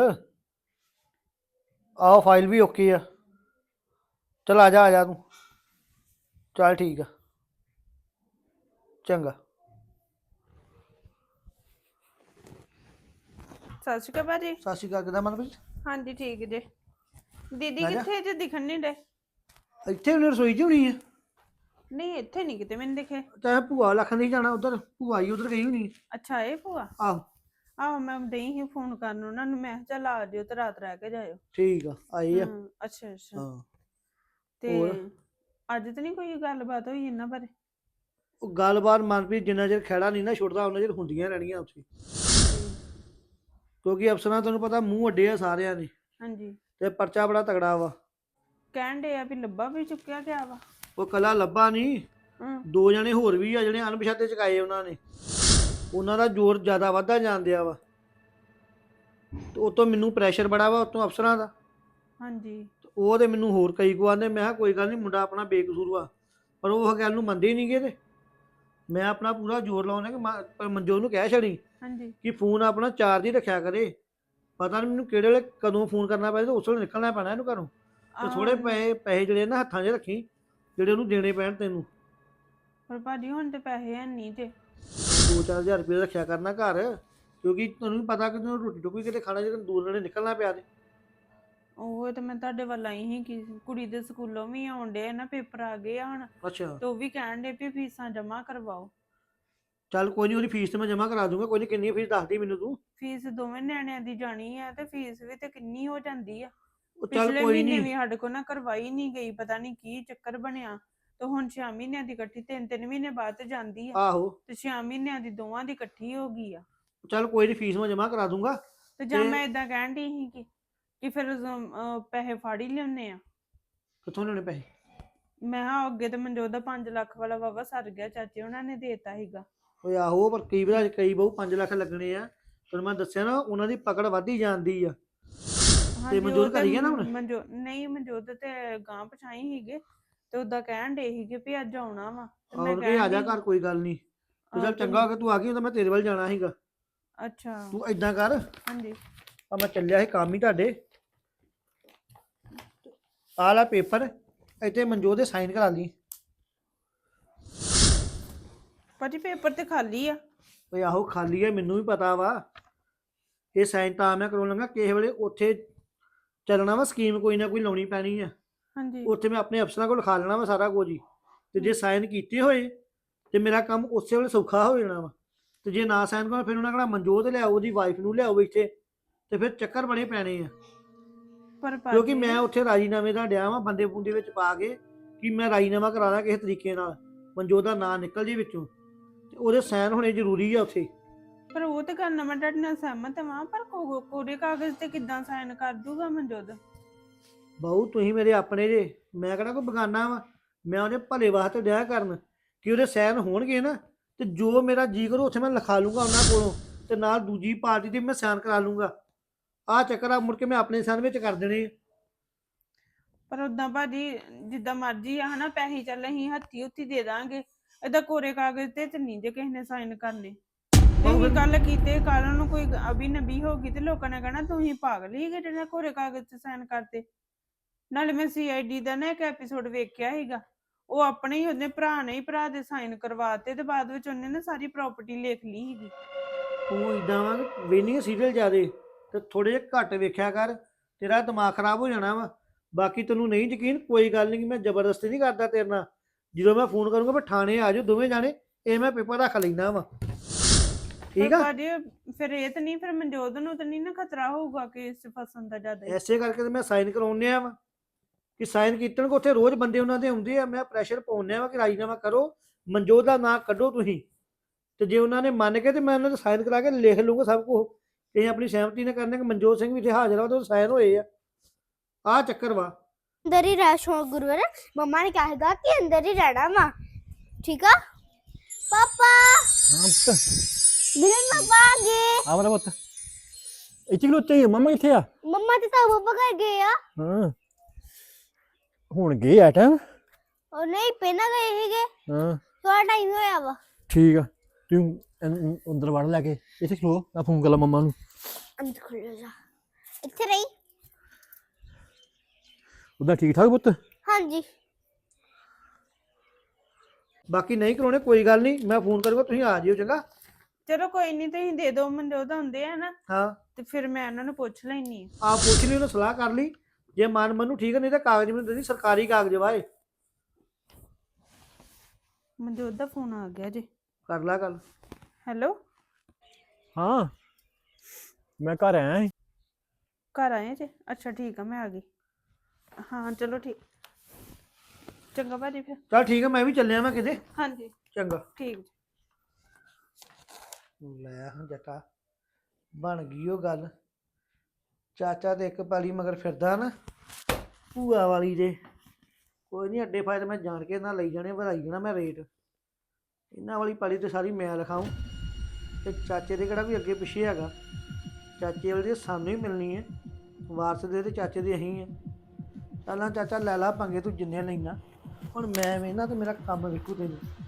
ਆਹੋ ਫਾਈਲ ਵੀ ਓਕੇ ਆ। ਚਲ ਆ ਜਾ ਤੂੰ। ਚੱਲ ਠੀਕ ਆ, ਚੰਗਾ।
ਸਤਿ ਸ਼੍ਰੀ ਅਕਾਲ ਭਾਜੀ।
ਸਤਿ ਸ਼੍ਰੀ ਅਕਾਲ, ਕਿੱਦਾਂ ਮਨਪ੍ਰੀਤ?
ਹਾਂਜੀ ਠੀਕ ਜੇ। ਦੀਦੀ
ਆ ਜਾ।
ਕਿੱਥੇ ਜੇ ਦਿਖਣ ਨਹੀਂ ਡੇ?
ਇੱਥੇ ਉਹਨੇ ਰਸੋਈ 'ਚ ਹੋਣੀ ਆ।
ਨਹੀਂ ਇੱਥੇ ਨਹੀਂ ਕਿਤੇ ਮੈਨੂੰ ਦਿਖੇ।
ਚਾਹੇ ਭੂਆ ਲੱਖਣ ਦੀ ਜਾਣਾ ਉਧਰ, ਭੂਆ ਹੀ ਉਧਰ ਗਈ ਹੋਣੀ।
ਅੱਛਾ ਇਹ ਭੂਆ।
ਆਹੋ
ਆਹੋ ਮੈਂ ਦਈ ਹੀ ਫੋਨ ਕਰਨ ਉਹਨਾਂ ਨੂੰ, ਮੈਂ ਕਿਹਾ ਚੱਲ ਆ ਜਿਓ ਤੇ ਰਾਤ ਰਹਿ ਕੇ ਜਾਇਓ।
ਠੀਕ ਆ, ਆਈ ਆ।
ਅੱਛਾ ਅੱਛਾ।
ਹਾਂ
ਤੇ
ਹੋਰ?
ਅੱਜ ਤਾਂ ਨਹੀਂ ਕੋਈ ਗੱਲਬਾਤ ਹੋਈ ਇਹਨਾਂ ਬਾਰੇ?
ਉਹ ਗੱਲਬਾਤ ਮਨਪ੍ਰੀਤ ਜਿੰਨਾ ਚਿਰ ਖਹਿੜਾ ਨਹੀਂ ਨਾ ਛੁੱਟਦਾ ਉਹਨਾਂ ਚਿਰ ਹੁੰਦੀਆਂ ਰਹਿਣੀਆਂ ਉੱਥੇ, ਕਿਉਂਕਿ ਅਫਸਰਾਂ ਤੁਹਾਨੂੰ ਪਤਾ ਮੂੰਹ ਅੱਡੇ ਆ ਸਾਰਿਆਂ ਨੇ,
ਹਾਂਜੀ।
ਤੇ ਪਰਚਾ ਬੜਾ ਤਗੜਾ ਵਾ।
ਕਹਿਣ ਡੇ ਆ ਵੀ ਲੱਭਾ ਵੀ ਚੁੱਕਿਆ ਗਿਆ ਵਾ।
ਉਹ ਕੱਲਾ ਲੱਭਾ ਨਹੀਂ,
ਹੂੰ।
2 ਜਣੇ ਹੋਰ ਵੀ ਆ ਜਿਹੜੇ ਅਣਪਛਾਤੇ ਚੁਕਾਏ ਉਹਨਾਂ ਨੇ। ਉਹਨਾਂ ਦਾ ਜ਼ੋਰ ਜ਼ਿਆਦਾ ਵੱਧਦਾ ਜਾਣ ਡਿਆ ਵਾ, ਤੇ ਉਤੋਂ ਮੈਨੂੰ ਪ੍ਰੈਸ਼ਰ ਬੜਾ ਵਾ ਉਤੋਂ ਅਫਸਰਾਂ ਦਾ।
ਹਾਂਜੀ।
ਤੇ ਉਹ ਤੇ ਮੈਨੂੰ ਹੋਰ ਕਈ ਕੁ ਆਂਦੇ। ਮੈਂ ਕਿਹਾ ਕੋਈ ਗੱਲ ਨਹੀਂ, ਮੁੰਡਾ ਆਪਣਾ ਬੇਕਸੂਰ ਵਾ, ਪਰ ਉਹ ਗੱਲ ਨੂੰ ਮੰਨਦੇ ਹੀ ਨਹੀਂ ਗੇ। ਤੇ ਮੈਂ ਆਪਣਾ ਪੂਰਾ ਜ਼ੋਰ ਲਾਉਣਾ ਕਿ ਮਨਜੋਤ ਨੂੰ ਕਹਿ ਛੜੀ
ਹਾਂਜੀ।
ਕਿ ਫੋਨ ਆਪਣਾ ਚਾਰਜ ਹੀ ਰੱਖਿਆ ਕਰੇ। ਪਤਾ ਨਹੀਂ ਮੈਨੂੰ ਕਿਹੜੇ ਵੇਲੇ ਕਦੋਂ ਫੋਨ ਕਰਨਾ ਪਏ, ਤੇ ਉਸ ਵੇਲੇ ਨਿਕਲਣਾ ਪੈਣਾ ਇਹਨੂੰ ਘਰੋਂ। ਤੇ ਥੋੜੇ ਪੈਸੇ ਜਿਹੜੇ ਨਾ ਹੱਥਾਂ 'ਚ ਰੱਖੀ, ਜਿਹੜੇ ਉਹਨੂੰ ਦੇਣੇ ਪੈਣ ਤੈਨੂੰ।
ਪਰ ਭਾਜੀ ਹੁਣ ਤੇ ਪੈਸੇ ਹੈ ਨਹੀਂ ਤੇ।
2-4 ਹਜ਼ਾਰ ਰੁਪਏ ਰੱਖਿਆ ਕਰਨਾ ਘਰ, ਕਿਉਂਕਿ ਤੁਹਾਨੂੰ ਵੀ ਪਤਾ ਕਿ ਤੈਨੂੰ ਰੋਟੀ ਟੁੱਕੀ ਕਿਤੇ ਖਾਣਾ, ਜਦੋਂ ਦੂਰ ਨੇੜੇ ਨਿਕਲਣਾ ਪਿਆ ਤੇ।
ਉਹ ਤੇ ਮੈਂ ਤੁਹਾਡੇ ਵੱਲ ਆਈ ਸੀ ਕਿ ਕੁੜੀ ਦੇ ਸਕੂਲੋਂ ਵੀ ਆਉਣ ਡੇ ਨਾ, ਪੇਪਰ ਆ ਗਏ ਆ ਹੁਣ,
ਅੱਛਾ
ਤੇ ਉਹ ਵੀ ਕਹਿਣ ਡੇ ਵੀ ਫੀਸਾਂ ਜਮ੍ਹਾਂ ਕਰਵਾਓ।
ਚੱਲ ਕੋਈ ਨਹੀਂ, ਉਹਦੀ ਫੀਸ ਤੇ ਮੈਂ ਜਮ੍ਹਾਂ ਕਰਾ ਦੂੰਗਾ। ਕੋਈ ਨਹੀਂ, ਕਿੰਨੀ ਫੀਸ ਦੱਸਦੀ ਮੈਨੂੰ ਤੂੰ।
ਫੀਸ ਦੋਵੇਂ ਨਿਆਣਿਆਂ ਦੀ ਜਾਣੀ ਆ, ਤੇ ਫੀਸ ਵੀ ਤੇ ਕਿੰਨੀ ਹੋ ਜਾਂਦੀ ਆ।
ਉਹ ਚੱਲ
ਪਿਛਲੇ
ਕੋਈ
ਮਹੀਨੇ
ਨਹੀਂ।
ਵੀ ਸਾਡੇ ਕੋਲ ਨਾ ਕਰਵਾਈ ਨਹੀਂ ਗਈ, ਪਤਾ ਨਹੀਂ ਕੀ ਚੱਕਰ ਬਣਿਆ। ਤੇ ਹੁਣ 6 ਮਹੀਨਿਆਂ ਦੀ ਇਕੱਠੀ, 3-3 ਮਹੀਨੇ ਬਾਅਦ ਤੇ ਜਾਂਦੀ ਆ,
ਆਹੋ
ਤੇ 6 ਮਹੀਨਿਆਂ ਦੀ ਦੋਵਾਂ ਦੀ ਇਕੱਠੀ ਹੋ ਗਈ ਆ।
ਚੱਲ ਕੋਈ ਨਹੀਂ, ਫੀਸ ਮੈਂ ਜਮ੍ਹਾਂ ਕਰਾ ਦੂੰਗਾ।
ਤੇ ਜਾਂ
ਤੇ
ਮੈਂ ਇਦਾਂ ਕਹਿਣ ਦੀ ਸੀ ਕਿ ਫਿਰ ਪੈਸੇ ਫਾੜ ਹੀ ਲਿਆਉਂਦੇ ਆ।
ਕਿੱਥੋਂ ਲੈਣੇ ਪੈਸੇ?
ਮੈਂ ਹਾਂ ਅੱਗੇ ਤੇ ਮਨਜੋਤ ਦਾ 5 ਲੱਖ ਵਾਲਾ ਵਾਵਾ ਸਰ ਗਿਆ, ਚਾਚੇ ਉਹਨਾਂ ਨੇ ਦੇਤਾ ਸੀਗਾ।
ਓਏ ਆਹੋ, ਪਰ ਕਈ ਵਾਰ ਕਈ ਬਹੁ 5 ਲੱਖ ਲੱਗਣੇ ਆ। ਤੁਹਾਨੂੰ ਮੈਂ ਦੱਸਿਆ ਨਾ, ਉਹਨਾਂ ਦੀ ਪਕੜ ਵੱਧਦੀ ਜਾਂਦੀ ਆ।
ਹਾਂਜੀ,
ਮਨਜੋਤ
ਉਹ ਤੇ
ਘਰ ਹੀ ਆ ਨਾ ਹੁਣ?
ਨਹੀਂ ਮਨਜੋਤ ਤੇ ਗਾਂ ਪਛਾਈ ਸੀਗੇ, ਤੇ ਉਦਾਂ ਕਹਿਣ ਡੇ ਸੀਗੇ ਵੀ ਅੱਜ ਆਉਣਾ ਵਾ, ਤੇ ਮੈਂ
ਆਹੋ ਕਿ ਆ ਜਾ
ਕਹਿਣ
ਘਰ, ਕੋਈ ਗੱਲ ਨਹੀਂ। ਤੇ ਚੱਲ
ਤੇ
ਚੰਗਾ ਹੋ ਗਿਆ ਤੂੰ ਆ ਗਈ, ਤਾਂ ਮੈਂ ਤੇਰੇ ਵੱਲ ਜਾਣਾ ਸੀਗਾ।
ਅੱਛਾ।
ਤੂੰ ਏਦਾਂ ਕਰ,
ਹਾਂਜੀ।
ਆ ਮੈਂ ਚੱਲਿਆ ਸੀ ਕੰਮ ਹੀ ਤੁਹਾਡੇ। ਆਹ ਲੈ ਪੇਪਰ, ਇੱਥੇ ਮਨਜੋਤ ਦੇ ਸਾਈਨ ਕਰਾ ਲਈ।
ਭਾਜੀ ਪੇਪਰ ਤੇ ਖਾਲੀ ਆ।
ਓਏ ਆਹੋ ਖਾਲੀ ਹੈ, ਮੈਨੂੰ ਵੀ ਪਤਾ ਵਾ। ਇਹ ਸਾਈਨ ਤਾਂ ਮੈਂ ਕਰਾਉਣ ਲੱਗਾ, ਕਿਸੇ ਵੇਲੇ ਉੱਥੇ ਚੱਲਣਾ ਵਾ, ਸਕੀਮ ਕੋਈ ਨਾ ਕੋਈ ਲਾਉਣੀ ਪੈਣੀ ਆ।
ਹਾਂਜੀ।
ਉੱਥੇ ਮੈਂ ਆਪਣੇ ਅਫਸਰਾਂ ਕੋਲ ਲਿਖਾ ਲੈਣਾ ਵਾ ਸਾਰਾ ਕੁਝ ਹੀ। ਤੇ ਜੇ ਸਾਈਨ ਕੀਤੇ ਹੋਏ ਤੇ ਮੇਰਾ ਕੰਮ ਉਸੇ ਵੇਲੇ ਸੌਖਾ ਹੋ ਜਾਣਾ ਵਾ। ਤੇ ਜੇ ਨਾ ਸਾਈਨ ਕਰਾਂ, ਫਿਰ ਉਹਨਾਂ ਕਹਿਣਾ ਮਨਜੋਤ ਲਿਆਓ, ਉਹਦੀ ਵਾਈਫ ਨੂੰ ਲਿਆਓ ਇੱਥੇ, ਤੇ ਫਿਰ ਚੱਕਰ ਬਣੇ ਪੈਣੇ ਆ।
ਪਰ
ਕਿਉਂਕਿ
ਭਾਜੀ
ਮੈਂ ਉੱਥੇ ਰਾਜੀਨਾਮੇ ਦਾ ਡਿਆ ਵਾਂ ਬੰਦੇ ਬੁੰਦੇ ਵਿੱਚ ਪਾ ਕੇ, ਕਿ ਮੈਂ ਰਾਜੀਨਾਮਾ ਕਰਾ ਲਾਂ ਕਿਸੇ ਤਰੀਕੇ ਨਾਲ, ਮਨਜੋਤ ਦਾ ਨਾਂ ਨਿਕਲ ਜੇ ਵਿੱਚੋਂ, ਤੇ ਉਹਦੇ ਸਾਈਨ ਹੋਣੇ ਜ਼ਰੂਰੀ ਆ ਉੱਥੇ।
ਪਰ ਉਹ ਤੇ ਕਰਨਾ ਮੈਂ ਤੁਹਾਡੇ ਨਾਲ ਸਹਿਮਤ ਹਾਂ, ਪਰ ਕੋਰੇ ਕਾਗਜ਼ ਤੇ ਕਿੱਦਾਂ ਸਾਈਨ ਕਰ ਦੂਗਾ ਮਨਜੋਤ?
ਬਾਊ ਤੁਸੀਂ ਮੇਰੇ ਆਪਣੇ ਜੇ, ਮੈਂ ਕਿਹੜਾ ਕੋਈ ਬਗਾਨਾ ਵਾ। ਮੈਂ ਉਹਦੇ ਭਲੇ ਵਾਸਤੇ ਡਿਆ ਕਰਨ ਕਿ ਉਹਦੇ ਸਾਈਨ ਹੋਣਗੇ ਨਾ, ਤੇ ਜੋ ਮੇਰਾ ਜੀ ਕਰੂ ਉੱਥੇ ਮੈਂ ਲਿਖਾ ਲੂੰਗਾ ਉਹਨਾਂ ਕੋਲੋਂ, ਤੇ ਨਾਲ ਦੂਜੀ ਪਾਰਟੀ ਦੇ ਮੈਂ ਸਾਈਨ ਕਰਾ ਲੂੰਗਾ। ਆਹ ਚੱਕਰ ਆ, ਮੁੜ ਕੇ ਮੈਂ ਆਪਣੇ ਸਾਈਨ ਵਿੱਚ ਕਰ ਦੇਣੇ ਆ।
ਪਰ ਉਦਾਂ ਭਾਜੀ ਜਿੱਦਾਂ ਮਰਜ਼ੀ ਆ ਹਨਾ, ਪੈਸੇ ਚੱਲ ਅਸੀਂ ਹੱਥੀ ਉੱਥੀ ਦੇ ਦਾਂਗੇ, ਏਦਾਂ ਕੋਰੇ ਕਾਗਜ਼ ਤੇ ਨਹੀਂ ਜੇ ਕਿਸੇ ਨੇ ਸਾਈਨ ਕਰਨੇ। ਤੁਸੀਂ ਗੱਲ ਕੀਤੇ, ਕੱਲ ਨੂੰ ਕੋਈ ਅਭੀ ਨਬੀ ਹੋ ਗਈ ਤੇ ਲੋਕਾਂ ਨੇ ਕਹਿਣਾ ਤੁਸੀਂ ਪਾਗਲ ਹੀ ਗਏ ਜਿਹੜੇ ਕੋਰੇ ਕਾਗਜ਼ ਤੇ ਸਾਈਨ ਕਰਤੇ। ਨਾਲੇ ਮੈਂ CID ਦਾ ਨਾ ਇੱਕ ਐਪੀਸੋਡ ਵੇਖਿਆ ਸੀਗਾ, ਉਹ ਆਪਣੇ ਹੀ ਉਹਨੇ ਭਰਾ ਦੇ ਸਾਈਨ ਕਰਵਾਤੇ, ਤੇ ਬਾਅਦ ਵਿੱਚ ਉਹਨੇ ਨਾ ਸਾਰੀ ਪ੍ਰਾਪਰਟੀ ਲਿਖ ਲਈ ਸੀਗੀ।
ਤੂੰ ਇਦਾਂ ਵਾ ਵੇਨੀ ਸੀਰੀਅਲ ਜ਼ਿਆਦੇ, ਤੇ ਥੋੜੇ ਜਿਹੇ ਘੱਟ ਵੇਖਿਆ ਕਰ, ਤੇਰਾ ਦਿਮਾਗ ਖਰਾਬ ਹੋ ਜਾਣਾ ਵਾ। ਬਾਕੀ ਤੈਨੂੰ ਨਹੀਂ ਯਕੀਨ, ਕੋਈ ਗੱਲ ਨਹੀਂ, ਮੈਂ ਜ਼ਬਰਦਸਤੀ ਨਹੀਂ ਕਰਦਾ ਤੇਰੇ ਨਾਲ। ਜਦੋਂ ਮੈਂ ਫੋਨ ਕਰੂੰਗਾ ਫਿਰ ਥਾਣੇ ਆ ਜਾਓ ਦੋਵੇਂ ਜਾਣੇ, ਇਹ ਮੈਂ ਪੇਪਰ ਰੱਖ ਲੈਂਦਾ ਵਾ, ਠੀਕ ਆ?
ਭਾਜੀ ਫਿਰ ਇਹ ਤਾਂ ਨਹੀਂ, ਫਿਰ ਮਨਜੋਤ ਨੂੰ ਤਾਂ ਨਹੀਂ ਨਾ ਖਤਰਾ ਹੋਊਗਾ ਕਿ ਇਸ 'ਚ ਫਸਣ ਦਾ ਜ਼ਿਆਦਾ?
ਐਸੇ ਕਰਕੇ ਤੇ ਮੈਂ ਸਾਈਨ ਕਰਾਉਂਦੇ ਆ ਵਾ, ਕਿ ਸਾਈਨ ਕੀਤਣ ਕੋ ਉੱਥੇ ਰੋਜ਼ ਬੰਦੇ ਉਹਨਾਂ ਦੇ ਆਉਂਦੇ ਆ। ਮੈਂ ਪ੍ਰੈਸ਼ਰ ਪਾਉਂਦੇ ਆ ਵਾ ਕਿ ਰਾਜੀਨਾਮਾ ਕਰੋ, ਮਨਜੋਤ ਦਾ ਨਾਂ ਕੱਢੋ ਤੁਸੀਂ, ਤੇ ਜੇ ਉਹਨਾਂ ਨੇ ਮੰਨ ਕੇ ਤੇ ਮੈਂ ਉਹਨਾਂ ਦੇ ਸਾਈਨ ਕਰਾ ਕੇ ਲਿਖ ਲੂੰਗਾ ਸਭ ਕੁਝ। ਇਹ ਆਪਣੀ ਸਹਿਮਤੀ ਨਾਲ ਕਰਨੇ ਕਿ ਮਨਜੋਤ ਸਿੰਘ ਵੀ ਇੱਥੇ ਹਾਜ਼ਰ ਆ, ਉਹਦੇ ਸਾਈਨ ਹੋਏ ਆ। ਆਹ ਚੱਕਰ ਵਾ।
ਅੰਦਰ ਹੀ ਰਹਿ ਸ਼ੋ ਗੁਰੂਵਰ, ਮੰਮਾ ਨੇ ਕਿਹਾ ਹੈਗਾ ਕਿ ਅੰਦਰ ਹੀ ਰਹਿਣਾ ਵਾ, ਠੀਕ ਆ ਪਾਪਾ?
ਹਾਂ ਪੁੱਤ
ਮਿਲਨ ਪਾਪਾ ਆ ਗਏ।
ਆ ਮੇਰਾ ਪੁੱਤ ਇੱਥੇ ਖਲੋਤੇ ਹੀ ਮੰਮਾ ਕਿੱਥੇ ਆ?
ਮੰਮਾ ਤੇ ਤਾਂ ਪਾਪਾ ਘਰ ਗਏ ਆ।
ਹਾਂ ਹੁਣ ਗਏ ਆ ਟਾਈਮ?
ਉਹ ਨਹੀਂ ਪਹਿਲਾਂ ਗਏ ਸੀਗੇ,
ਹਾਂ
ਥੋੜਾ ਟਾਈਮ ਹੋਇਆ ਵਾ।
ਠੀਕ ਆ, ਤੂੰ ਅੰਦਰ ਵੜ ਲੈ ਕੇ ਇੱਥੇ ਖਲੋ, ਮੈਂ ਫੋਨ ਕਰ ਲਾ ਮੰਮਾ ਨੂੰ।
ਅੰਦਰ ਖੁੱਲ ਜਾ, ਇੱਥੇ ਰਹੀ।
ਉਹਦਾ ਠੀਕ ਠਾਕ ਪੁੱਤ?
ਹਾਂਜੀ
ਬਾਕੀ ਨਹੀਂ ਕਰਾਉਣੇ ਕੋਈ ਗੱਲ ਨਹੀਂ, ਮੈਂ ਫੋਨ ਕਰੂੰਗਾ, ਤੁਸੀਂ ਆ ਜਿਓ ਚੰਗਾ।
ਚਲੋ ਕੋਈ ਨਹੀਂ, ਤੁਸੀਂ ਦੇ ਦਿਓ, ਮਨਜੋਤ ਹੁੰਦੇ ਆ ਨਾ,
ਹਾਂ
ਤੇ ਫਿਰ ਮੈਂ ਉਹਨਾਂ ਨੂੰ ਪੁੱਛ ਲੈਣੀ ਆ।
ਆਪ ਪੁੱਛ ਲਈ, ਉਹਨੇ ਸਲਾਹ ਕਰ ਲਈ, ਜੇ ਮਨ ਮੈਨੂੰ ਠੀਕ ਹੈ, ਨਹੀਂ ਤਾਂ ਕਾਗਜ਼ ਮੈਨੂੰ ਦੇ, ਸਰਕਾਰੀ ਕਾਗਜ਼ ਵਾਏ।
ਮਨਜੋਤ ਦਾ ਫੋਨ ਆ ਗਿਆ ਜੀ।
ਕਰ ਲਾ ਗੱਲ।
ਹੈਲੋ,
ਹਾਂ ਮੈਂ ਘਰ ਆਇਆ ਸੀ।
ਘਰ ਆਏ ਜੀ? ਅੱਛਾ ਠੀਕ ਆ, ਮੈਂ ਆ ਗਈ। ਹਾਂ ਚਲੋ ਠੀਕ, ਚੰਗਾ ਭਾਜੀ ਫਿਰ।
ਚਲ ਠੀਕ ਹੈ, ਮੈਂ ਵੀ ਚੱਲਿਆ ਮੈਂ ਕਿਤੇ।
ਹਾਂਜੀ
ਚੰਗਾ।
ਠੀਕ ਜੀ।
ਲੈ ਹੁਣ ਜੱਟਾ ਬਣ ਗਈ ਉਹ ਗੱਲ। ਚਾਚਾ ਤੇ ਇੱਕ ਪਾਲੀ ਮਗਰ ਫਿਰਦਾ ਨਾ ਭੂਆ ਵਾਲੀ ਦੇ। ਕੋਈ ਨਹੀਂ, ਅੱਡੇ ਫਾਇਦੇ ਮੈਂ ਜਾਣ ਕੇ ਨਾ ਲਈ ਜਾਣੇ, ਵਧਾਈ ਜਾਣਾ ਮੈਂ ਰੇਟ। ਇਹਨਾਂ ਵਾਲੀ ਪਾਲੀ ਤੇ ਸਾਰੀ ਮੈਂ ਲਿਖਾਊਂ, ਤੇ ਚਾਚੇ ਦੇ ਕਿਹੜਾ ਵੀ ਅੱਗੇ ਪਿੱਛੇ ਹੈਗਾ। ਚਾਚੇ ਵਾਲੀ ਤੇ ਸਾਨੂੰ ਹੀ ਮਿਲਣੀ ਹੈ, ਵਾਰਸ ਦੇ ਤੇ ਚਾਚੇ ਦੇ ਅਸੀਂ ਆ। ਚੱਲਾਂ ਚਾਚਾ ਲੈ ਲਾ ਪੰਗੇ, ਤੂੰ ਜਿੰਨੇ ਲੈਣਾ। ਹੁਣ ਮੈਂ ਵੇਖਣਾ ਤੇ ਮੇਰਾ ਕੰਮ ਵੇਖੂ ਤੈਨੂੰ।